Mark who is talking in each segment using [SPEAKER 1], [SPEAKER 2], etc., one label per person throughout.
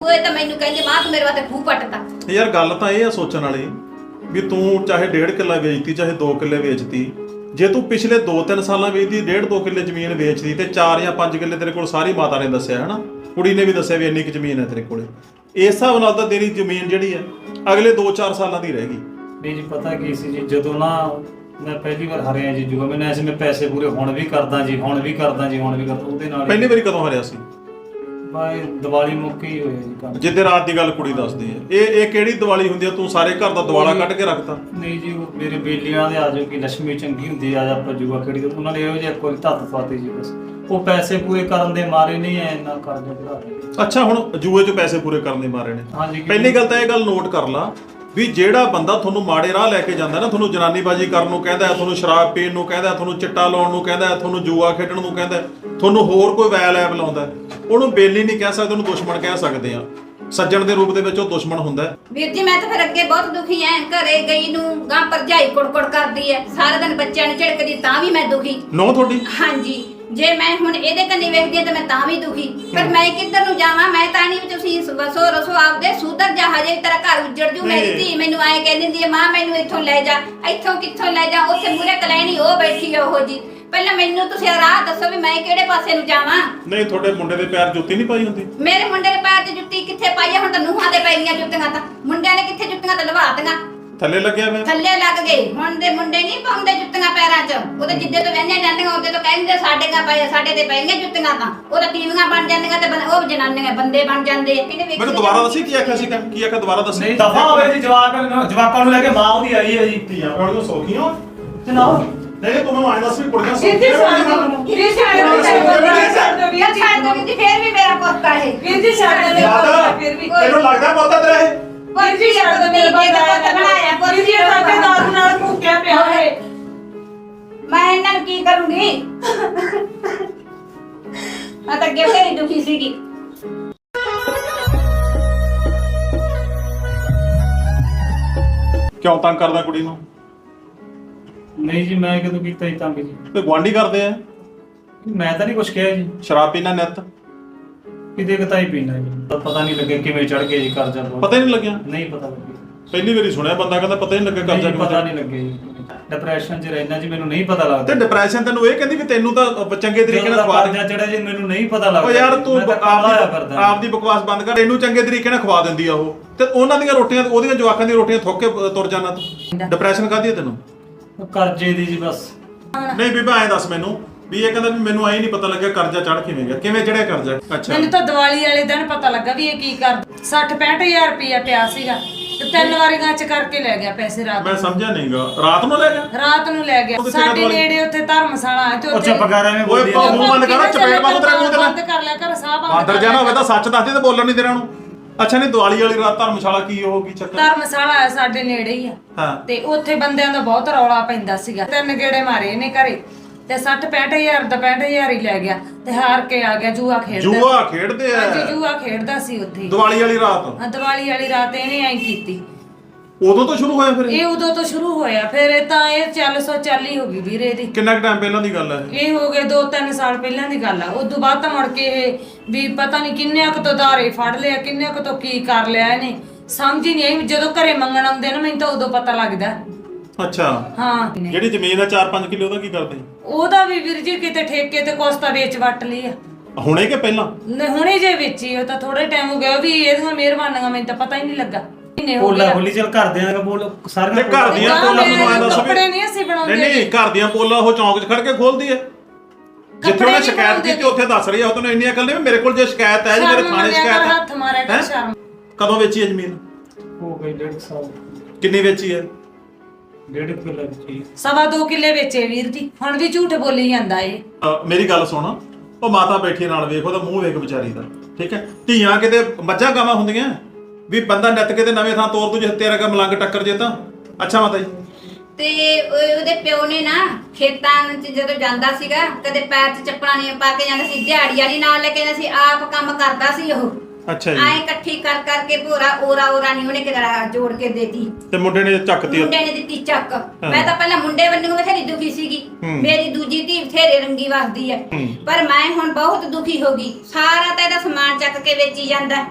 [SPEAKER 1] ਹੋਏ ਤਾਂ ਮੈਨੂੰ ਕਹਿੰਦੇ ਮਾਂ ਤੂੰ ਮੇਰੇ ਵਾਸਤੇ ਖੂਹ ਪੱਟਦਾ।
[SPEAKER 2] ਯਾਰ ਗੱਲ ਤਾਂ ਇਹ ਆ ਸੋਚਣ ਵਾਲੀ ਵੀ ਤੂੰ ਚਾਹੇ 1.5 ਕਿੱਲਾ ਵੇਚਤੀ ਚਾਹੇ 2 ਕਿੱਲੇ ਵੇਚਤੀ, ਜੇ ਤੂੰ ਪਿਛਲੇ 2-3 ਸਾਲਾਂ ਵੇਚਦੀ 1.5-2 ਕਿੱਲੇ ਜ਼ਮੀਨ ਵੇਚਦੀ ਤੇ 4 ਜਾਂ 5 ਕਿੱਲੇ ਤੇਰੇ ਕੋਲ ਸਾਰੀ ਮਾਤਾ ਨੇ ਦੱਸਿਆ ਹਨਾ, ਕੁੜੀ ਨੇ ਵੀ ਦੱਸਿਆ ਵੀ ਇੰਨੀ ਕੁ ਜ਼ਮੀਨ ਹੈ ਤੇਰੇ ਕੋਲੇ, ਇਸ ਹਿਸਾਬ ਨਾਲ ਤਾਂ ਤੇਰੀ ਜ਼ਮੀਨ ਜਿਹੜੀ ਹੈ ਅਗਲੇ 2-4 ਸਾਲਾਂ ਦੀ ਰਹੇਗੀ।
[SPEAKER 3] ਨਹੀਂ ਜੀ ਪਤਾ ਕੀ ਸੀ ਜੀ, ਜਦੋਂ ਨਾ ਮੈਂ ਪਹਿਲੀ ਵਾਰ ਹਾਰਿਆ ਜੀ ਜੂਆ, ਮੈਨੂੰ ਐਸੇ ਮੈਂ ਪੈਸੇ ਪੂਰੇ ਹੁਣ ਵੀ ਕਰਦਾ ਜੀ, ਹੁਣ ਵੀ ਕਰਦਾ ਉਹਦੇ ਨਾਲ।
[SPEAKER 2] ਪਹਿਲੀ ਵਾਰੀ ਕਦੋਂ ਹਾਰਿਆ ਸੀ?
[SPEAKER 3] ਬਾਈ ਦੀਵਾਲੀ ਮੁੱਕ ਹੀ ਹੋਇਆ ਜੀ ਕੰਮ।
[SPEAKER 2] ਜਿੱਦੇ ਰਾਤ ਦੀ ਗੱਲ ਕੁੜੀ ਦੱਸਦੀ ਹੈ, ਇਹ ਕਿਹੜੀ ਦੀਵਾਲੀ ਹੁੰਦੀ ਆ? ਤੂੰ ਸਾਰੇ ਘਰ ਦਾ ਦਿਵਾਲਾ ਕੱਢ ਕੇ ਰੱਖਤਾ?
[SPEAKER 3] ਨਹੀਂ ਜੀ ਉਹ ਮੇਰੇ ਬੇਲੀਆਂ ਦੇ ਆਜੋ ਕਿ ਲక్ష్ਮੀ ਚੰਗੀ ਹੁੰਦੀ ਆ, ਆਪਾਂ ਜੂਆ ਖੇਡੀ ਉਹਨਾਂ ਨੇ ਇਹੋ ਜਿਹਾ ਕੋਈ ਧੱਤ ਪਾਤੀ ਜੀ, ਬਸ ਉਹ ਪੈਸੇ ਪੂਰੇ ਕਰਨ ਦੇ ਮਾਰੇ ਨਹੀਂ ਐ ਇੰਨਾ ਕਰਜ਼ਾ ਵਧਾ ਰਹੇ।
[SPEAKER 2] ਅੱਛਾ ਹੁਣ ਜੂਏ 'ਚ ਪੈਸੇ ਪੂਰੇ ਕਰਨ ਦੇ ਮਾਰੇ ਨੇ?
[SPEAKER 3] ਹਾਂਜੀ।
[SPEAKER 2] ਪਹਿਲੀ ਗੱਲ ਤਾਂ ਇਹ ਗੱਲ ਨੋਟ ਕਰ ਲਾ ਵੀ ਜਿਹੜਾ ਬੰਦਾ ਤੁਹਾਨੂੰ ਮਾੜੇ ਰਾਹ ਲੈ ਕੇ ਜਾਂਦਾ ਨਾ, ਤੁਹਾਨੂੰ ਜਨਾਨੀਬਾਜ਼ੀ ਕਰਨ ਨੂੰ ਕਹਿੰਦਾ, ਤੁਹਾਨੂੰ ਸ਼ਰਾਬ ਪੀਣ ਨੂੰ ਕਹਿੰਦਾ, ਤੁਹਾਨੂੰ ਚਿੱਟਾ ਲਾਉਣ ਨੂੰ ਕਹਿੰਦਾ, ਤੁਹਾਨੂੰ ਜੂਆ ਖੇਡਣ ਨੂੰ ਕਹਿੰਦਾ, ਤੁਹਾਨੂੰ ਹੋਰ ਕੋਈ ਵੈਲ ਐਬ ਲਾਉਂਦਾ, ਉਹਨੂੰ ਬੇਲੀ ਨਹੀਂ ਕਹਿ ਸਕਦੇ, ਉਹਨੂੰ ਦੁਸ਼ਮਣ ਕਹਿ ਸਕਦੇ ਆ। ਸੱਜਣ ਦੇ ਰੂਪ ਦੇ ਵਿੱਚ ਉਹ ਦੁਸ਼ਮਣ ਹੁੰਦਾ ਹੈ।
[SPEAKER 1] ਵੀਰ ਜੀ ਮੈਂ ਤਾਂ ਫਿਰ ਅੱਗੇ ਬਹੁਤ ਦੁਖੀ ਐ, ਘਰੇ ਗਈ ਨੂੰ ਗਾਂ ਭਰਜਾਈ ਕੁੜਕੁੜ ਕਰਦੀ ਐ, ਸਾਰਾ ਦਿਨ ਬੱਚਿਆਂ ਨੂੰ ਝਿੜਕਦੀ, ਤਾਂ ਵੀ ਮੈਂ ਦੁਖੀ।
[SPEAKER 2] ਨੋ ਤੁਹਾਡੀ?
[SPEAKER 1] ਹਾਂਜੀ। ਜੇ ਮੈਂ ਹੁਣ ਇਹਦੇ ਕੰਨੀ ਵੇਖਦੀ ਆ ਤਾਂ ਮੈਂ ਤਾਂ ਵੀ ਦੁਖੀ, ਪਰ ਮੈਂ ਕਿੱਧਰ ਨੂੰ ਜਾਵਾਂ? ਮੈਂ ਤਾਂ ਨਹੀਂ ਵੀ ਤੁਸੀਂ ਵਸੋ ਰਸੋ ਆਪਦੇ ਸੁਧਰ ਜਾ, ਹਜੇ ਤੇਰਾ ਘਰ ਉੱਜੜ ਜੂ। ਮੇਰੀ ਧੀ ਮੈਨੂੰ ਆਏ ਕਹਿੰਦੀ ਹੁੰਦੀ ਹੈ ਮਾਂ ਮੈਨੂੰ ਇੱਥੋਂ ਲੈ ਜਾ, ਇੱਥੋਂ ਕਿੱਥੋਂ ਲੈ ਜਾ, ਉੱਥੇ ਮੂਹਰੇ ਕਲੈਣੀ ਉਹ ਬੈਠੀ ਆ ਉਹੋ ਜੀ। ਪਹਿਲਾਂ ਮੈਨੂੰ ਤੁਸੀਂ ਰਾਹ ਦੱਸੋ ਵੀ ਮੈਂ ਕਿਹੜੇ ਪਾਸੇ ਨੂੰ ਜਾਵਾਂ।
[SPEAKER 2] ਨਹੀਂ ਤੁਹਾਡੇ ਮੁੰਡੇ ਦੇ ਪੈਰ ਜੁੱਤੀ ਨਹੀਂ ਪਾਈ ਹੁੰਦੀ?
[SPEAKER 1] ਮੇਰੇ ਮੁੰਡੇ ਦੇ ਪੈਰ 'ਚ ਜੁੱਤੀ ਕਿੱਥੇ ਪਾਈ ਆ? ਹੁਣ ਤਾਂ ਨੂੰਹਾਂ ਦੇ ਪੈਰੀਆਂ ਜੁੱਤੀਆਂ, ਤਾਂ ਮੁੰਡਿਆਂ ਨੇ ਕਿੱਥੇ ਜੁੱਤੀਆਂ ਤਾਂ ਲਵਾਤੀਆਂ।
[SPEAKER 2] ਥੱਲੇ ਲੱਗਿਆ ਮੈਂ
[SPEAKER 1] ਥੱਲੇ ਲੱਗ ਗਏ। ਹੁਣ ਦੇ ਮੁੰਡੇ ਨਹੀਂ ਪਾਉਂਦੇ ਜੁੱਤੀਆਂ ਪੈਰਾਂ 'ਚ, ਉਹਦੇ ਜਿੱਦੇ ਤੋਂ ਵਹਿੰਦੀਆਂ ਜਾਂਦੀਆਂ ਉਹਦੇ ਤੋਂ ਕਹਿੰਦੇ ਸਾਡੇ ਤੇ ਪੈਣੀਆਂ ਜੁੱਤੀਆਂ, ਤਾਂ ਉਹ ਤਾਂ ਟੀਵੀਆਂ ਬਣ ਜਾਂਦੀਆਂ ਤੇ ਉਹ ਜਨਾਨੀਆਂ ਬੰਦੇ ਬਣ ਜਾਂਦੇ।
[SPEAKER 2] ਮੈਨੂੰ ਦੁਬਾਰਾ ਦੱਸੀ ਕੀ ਆਖਿਆ ਸੀ? ਕੀ ਆਖਿਆ ਦੁਬਾਰਾ ਦੱਸੀ?
[SPEAKER 3] ਨਹੀਂ ਦਫਾ ਹੋਵੇ ਜੀ, ਜਵਾਕਾਂ ਨੂੰ ਲੈ ਕੇ ਮਾਂ ਉਹਦੀ ਆਈ ਹੈ ਜੀ।
[SPEAKER 2] ਧੀਆਂ ਪਿਓ ਨੂੰ ਸੌਖੀਆਂ
[SPEAKER 3] ਜਨਾਬ
[SPEAKER 2] ਨਹੀਂ ਤੂੰ ਮੈਨੂੰ ਆਏ ਦੱਸ ਵੀ ਕੁੜੀਆਂ
[SPEAKER 1] ਫਿਰ ਵੀ ਮੇਰਾ ਪੁੱਤ ਹੈ।
[SPEAKER 2] ਤੈਨੂੰ ਲੱਗਦਾ ਪੁੱਤ ਤੇਰਾ ਇਹ?
[SPEAKER 1] ਮੈਂ ਇਹਨਾਂ ਨੂੰ ਕੀ ਕਰੂੰਗੀ? ਮੈਂ ਤਾਂ ਅੱਗੇ ਬਥੇਰੀ ਦੁਖੀ ਸੀਗੀ।
[SPEAKER 2] ਕਿਉਂ ਤੰਗ ਕਰਦਾ ਕੁੜੀ ਨੂੰ?
[SPEAKER 3] ਨਹੀਂ ਜੀ ਮੈਂ ਕਦੋਂ ਕੀਤਾ ਜੀ ਤੰਗ ਜੀ?
[SPEAKER 2] ਤੇ ਗੁਆਂਢੀ ਕਰਦੇ ਆ।
[SPEAKER 3] ਮੈਂ ਤਾਂ ਨਹੀਂ ਕੁਛ ਕਿਹਾ ਜੀ।
[SPEAKER 2] ਸ਼ਰਾਬ ਪੀਣਾ ਨਿੱਤ?
[SPEAKER 3] ਕਿਤੇ ਕਤਾਈ ਪੀਣਾ ਜੀ, ਪਤਾ ਨਹੀਂ ਲੱਗਿਆ ਕਿਵੇਂ ਚੜ ਗਏ ਜੀ ਕਰਜ਼ਾ।
[SPEAKER 2] ਪਤਾ ਹੀ ਨਹੀਂ ਲੱਗਿਆ?
[SPEAKER 3] ਨਹੀਂ ਪਤਾ ਲੱਗਿਆ।
[SPEAKER 2] ਪਹਿਲੀ ਵਾਰੀ ਸੁਣਿਆ ਬੰਦਾ ਕਹਿੰਦਾ ਪਤਾ ਹੀ ਨਹੀਂ ਲੱਗਿਆ ਕਰਜ਼ਾ ਕਿਵੇਂ।
[SPEAKER 3] ਪਤਾ ਨਹੀਂ ਲੱਗਿਆ ਜੀ, ਡਿਪਰੈਸ਼ਨ 'ਚ ਰਹਿਣਾ ਜੀ, ਮੈਨੂੰ ਨਹੀਂ ਪਤਾ ਲੱਗਦਾ।
[SPEAKER 2] ਤੇ ਡਿਪਰੈਸ਼ਨ ਤੈਨੂੰ ਇਹ ਕਹਿੰਦੀ ਵੀ ਤੈਨੂੰ ਤਾਂ ਚੰਗੇ ਤਰੀਕੇ ਨਾਲ ਖਵਾ
[SPEAKER 3] ਕਰਜ਼ਾ ਚੜਿਆ ਜੀ, ਮੈਨੂੰ ਨਹੀਂ ਪਤਾ ਲੱਗਦਾ।
[SPEAKER 2] ਓ ਯਾਰ ਤੂੰ ਆਪਦੀ ਬਕਵਾਸ ਬੰਦ ਕਰ, ਇਹਨੂੰ ਚੰਗੇ ਤਰੀਕੇ ਨਾਲ ਖਵਾ ਦਿੰਦੀ ਆ ਉਹ, ਤੇ ਉਹਨਾਂ ਦੀਆਂ ਰੋਟੀਆਂ ਉਹਦੀਆਂ ਜਵਾਕਾਂ ਦੀਆਂ ਰੋਟੀਆਂ ਥੁੱਕ ਕੇ ਤੁਰ ਜਾਣਾ ਤੂੰ। ਡਿਪਰੈਸ਼ਨ ਕਾਹਦੀ ਹੈ ਤੈਨੂੰ?
[SPEAKER 3] ਕਰਜ਼ੇ ਦੀ ਜੀ ਬਸ।
[SPEAKER 2] ਨਹੀਂ ਬੀਬਾ ਐਂ ਦੱਸ ਮੈਨੂੰ ਵੀ ਇਹ ਕਹਿੰਦਾ ਵੀ ਮੈਨੂੰ ਐਂ ਨਹੀਂ ਪਤਾ ਲੱਗਿਆ ਕਰਜ਼ਾ ਚੜ ਕਿਵੇਂ ਗਿਆ, ਕਿਵੇਂ ਚੜਿਆ ਕਰਜ਼ਾ? ਅੱਛਾ
[SPEAKER 4] ਮੈਨੂੰ ਤਾਂ ਦੀਵਾਲੀ ਵਾਲੇ ਦਿਨ ਪਤਾ ਲੱਗਾ ਵੀ ਇਹ ਕੀ ਕਰਦਾ। 60-65 ਹਜ਼ਾਰ ਪਿਆ ਸੀਗਾ ਤੇ 3 ਵਾਰੀਆਂ ਚ ਕਰਕੇ ਲੈ ਗਿਆ ਪੈਸੇ ਰਾਤ
[SPEAKER 2] ਮੈਂ ਸਮਝਿਆ ਨਹੀਂਗਾ। ਰਾਤ ਨੂੰ ਲੈ ਗਿਆ?
[SPEAKER 4] ਰਾਤ ਨੂੰ ਲੈ ਗਿਆ। ਸਾਡੇ ਨੇੜੇ ਉੱਥੇ ਧਰਮਸ਼ਾਲਾ ਹੈ ਤੇ
[SPEAKER 3] ਉੱਥੇ ਪਗਾਰਾਂ ਵਿੱਚ
[SPEAKER 2] ਓਏ ਮੂੰਹ ਬੰਦ ਕਰ, ਚਪੇੜ ਬੰਦ ਤੇਰੇ ਮੂੰਹ ਤੇ।
[SPEAKER 4] ਬੰਦ ਕਰ ਲਿਆ ਕਰ ਸਾਹ
[SPEAKER 2] ਬਾਂਦਰ ਜਾਣਾ ਹੋਵੇ ਤਾਂ ਸੱਚ ਦੱਸਦੀ ਤੇ ਬੋਲਣ ਨਹੀਂ ਦੇਣਾ ਉਹਨੂੰ। ਅੱਛਾ ਨਹੀਂ ਦੀਵਾਲੀ ਵਾਲੀ ਰਾਤ ਧਰਮਸ਼ਾਲਾ ਕੀ ਉਹ ਕੀ ਚੱਕਰ?
[SPEAKER 4] ਧਰਮਸ਼ਾਲਾ ਹੈ ਸਾਡੇ ਨੇੜੇ ਹੀ ਆ।
[SPEAKER 2] ਹਾਂ
[SPEAKER 4] ਤੇ ਉੱਥੇ ਬੰਦਿਆਂ ਦਾ ਬਹੁਤ ਰੌਲਾ ਪੈਂਦਾ ਸੀਗਾ। 3 ਗੇੜੇ ਮਾਰੇ ਇਹਨੇ ਘਰੇ ਤੇ 60-65 ਹਜ਼ਾਰ ਦਾ 65 ਹਜ਼ਾਰ ਹੀ ਲੈ ਗਿਆ ਤੇ ਹਾਰ ਕੇ ਆ ਗਿਆ। ਜੂਆ ਖੇਡਦਾ।
[SPEAKER 2] ਜੂਆ ਖੇਡਦੇ ਆ?
[SPEAKER 4] ਹਾਂਜੀ ਜੂਆ ਖੇਡਦਾ ਸੀ ਉੱਥੇ
[SPEAKER 2] ਦੀਵਾਲੀ ਵਾਲੀ ਰਾਤ?
[SPEAKER 4] ਹਾਂ ਦੀਵਾਲੀ ਵਾਲੀ ਰਾਤ ਇਹਨੇ ਐਂ ਕੀਤੀ।
[SPEAKER 2] ਉਦੋਂ ਤੋਂ ਸ਼ੁਰੂ ਹੋਇਆ ਫਿਰ
[SPEAKER 4] ਇਹ ਉਦੋਂ ਤੋਂ ਸ਼ੁਰੂ ਹੋਇਆ, ਫਿਰ ਇਹ ਤਾਂ ਇਹ 440 ਹੋ ਗਈ ਵੀਰੇ ਦੀ।
[SPEAKER 2] ਕਿੰਨਾ ਕੁ ਟਾਈਮ ਪਹਿਲਾਂ ਦੀ ਗੱਲ ਹੈ
[SPEAKER 4] ਇਹ ਹੋ ਗਏ 2-3 ਸਾਲ ਪਹਿਲਾਂ ਦੀ ਗੱਲ ਆ। ਉਦੋਂ ਬਾਅਦ ਤਾਂ ਮੁੜ ਕੇ ਇਹ ਵੀ ਪਤਾ ਨਹੀਂ ਕਿੰਨੇ ਕੁ ਤੋਂ ਧਾਰੇ ਫੜ ਲਿਆ, ਕਿੰਨੇ ਕੁ ਤੋਂ ਕੀ ਕਰ ਲਿਆ ਇਹਨੇ, ਸਮਝ ਹੀ ਨਹੀਂ ਆਈ। ਜਦੋਂ ਘਰੇ ਮੰਗਣ ਆਉਂਦੇ ਨਾ ਮੈਨੂੰ ਤਾਂ ਉਦੋਂ ਪਤਾ ਲੱਗਦਾ।
[SPEAKER 2] ਅੱਛਾ
[SPEAKER 4] ਹਾਂ
[SPEAKER 2] ਜਿਹੜੀ ਜ਼ਮੀਨ ਆ 4-5 ਕਿੱਲੇ ਉਹਦਾ ਕੀ ਕਰਦੇ?
[SPEAKER 4] ਉਹਦਾ ਵੀ ਵੀਰ ਜੀ ਕਿਤੇ ਠੇਕੇ ਤੇ ਕੋਸਤਾ ਵੇਚ ਵੱਟ ਲਈ ਆ।
[SPEAKER 2] ਹੁਣੇ ਕਿ ਪਹਿਲਾਂ?
[SPEAKER 4] ਹੁਣੇ ਜੇ ਵੇਚੀ ਉਹ ਤਾਂ ਥੋੜੇ ਟਾਈਮ ਹੋ ਗਿਆ। ਉਹ ਵੀ ਇਹਦੀਆਂ ਮਿਹਰਬਾਨੀਆਂ ਮੈਨੂੰ ਤਾਂ ਪਤਾ ਹੀ ਨਹੀਂ ਲੱਗਾ।
[SPEAKER 3] ਪੋਲਾ ਹੋਲੀ ਚੱਲ ਘਰਦਿਆਂ ਦਾ ਬੋਲ ਸਾਰੇ
[SPEAKER 2] ਘਰ ਦੀਆਂ ਪੋਲਾਂ ਮੈਨੂੰ ਆਇਆ ਦੱਸ ਵੀ
[SPEAKER 4] ਕੱਪੜੇ ਨਹੀਂ ਅਸੀਂ ਬਣਾਉਂਦੇ।
[SPEAKER 2] ਨਹੀਂ ਘਰ ਦੀਆਂ ਪੋਲਾਂ ਉਹ ਚੌਂਕ 'ਚ ਖੜ ਕੇ ਖੋਲਦੀ ਹੈ। ਜਿੱਥੇ ਉਹਨੇ ਸ਼ਿਕਾਇਤ ਕੀਤੀ ਉੱਥੇ ਦੱਸ ਰਹੀ ਆ। ਉਹ ਤੈਨੂੰ ਇੰਨੀਆਂ ਗੱਲਾਂ ਵੀ ਮੇਰੇ ਕੋਲ ਜੇ ਸ਼ਿਕਾਇਤ ਹੈ ਜੀ, ਮੇਰੇ ਥਾਣੇ ਸ਼ਿਕਾਇਤ ਹੈ।
[SPEAKER 4] ਹੱਥ ਮਾਰਿਆ ਕਰ ਸ਼ਰਮ।
[SPEAKER 2] ਕਦੋਂ ਵੇਚੀ ਹੈ ਜ਼ਮੀਨ?
[SPEAKER 3] ਹੋ ਗਈ 1.5 ਸਾਲ।
[SPEAKER 2] ਕਿੰਨੀ ਵੇਚੀ ਹੈ?
[SPEAKER 3] 1.5 ਕਿੱਲਾ ਜੀ।
[SPEAKER 4] 2.25 ਕਿੱਲੇ ਵੇਚੇ ਵੀਰ ਜੀ। ਹੁਣ ਵੀ ਝੂਠ ਬੋਲੀ ਜਾਂਦਾ ਇਹ।
[SPEAKER 2] ਮੇਰੀ ਗੱਲ ਸੁਣ, ਉਹ ਮਾਤਾ ਬੈਠੀ ਨਾਲ ਵੇਖ, ਉਹਦਾ ਮੂੰਹ ਵੇਖ ਵਿਚਾਰੀ ਦਾ, ਠੀਕ ਹੈ? ਧੀਆਂ ਕਿਤੇ ਮੱਝਾਂ ਗਾਵਾਂ ਹੁੰਦੀਆਂ ਵੀ ਬੰਦਾ ਨਿੱਤ ਕਿਤੇ ਨਵੇਂ ਥਾਂ ਤੋਰ ਦੂ ਜੇ ਤੇਰਾ ਕਾ ਮਲੰਗ ਟੱਕਰ ਜੇ ਤਾਂ। ਅੱਛਾ ਮਾਤਾ ਜੀ
[SPEAKER 1] ਤੇ ਉਹਦੇ ਪਿਓ ਨੇ ਨਾ ਖੇਤਾਂ 'ਚ ਜਦੋਂ ਜਾਂਦਾ ਸੀਗਾ ਕਦੇ ਪੈਰ 'ਚ ਚੱਪਲਾਂ ਨਹੀਂ ਪਾ ਕੇ ਜਾਂਦਾ ਸੀ, ਦਿਹਾੜੀ ਵਾਲੀ ਨਾਲ ਲੈ ਕੇ ਜਾਂਦਾ ਸੀ, ਆਪ ਕੰਮ ਕਰਦਾ ਸੀ ਉਹ।
[SPEAKER 2] ਅੱਛਾ ਜੀ।
[SPEAKER 1] ਐ ਇਕੱਠੀ ਕਰ ਕਰਕੇ ਭੋਰਾ ਓਰਾ ਨਹੀਂ ਉਹਨੇ ਕਿਹੜਾ ਜੋੜ ਕੇ ਦੇਤੀ।
[SPEAKER 2] ਤੇ ਮੁੰਡੇ ਨੇ ਚੱਕਤੀ?
[SPEAKER 1] ਮੁੰਡੇ ਨੇ ਦਿੱਤੀ ਚੱਕ। ਮੈਂ ਤਾਂ ਪਹਿਲਾਂ ਮੁੰਡੇ ਵੱਲੋਂ ਬਥੇਰੀ ਦੁਖੀ ਸੀਗੀ, ਮੇਰੀ ਦੂਜੀ ਧੀ ਬਥੇਰੇ ਰੰਗੀ ਵਸਦੀ ਐ, ਪਰ ਮੈਂ ਹੁਣ ਬਹੁਤ ਦੁਖੀ ਹੋ ਗਈ। ਸਾਰਾ ਤਾਂ ਇਹਦਾ ਸਮਾਨ ਚੱਕ ਕੇ ਵੇਚੀ ਜਾਂਦਾ।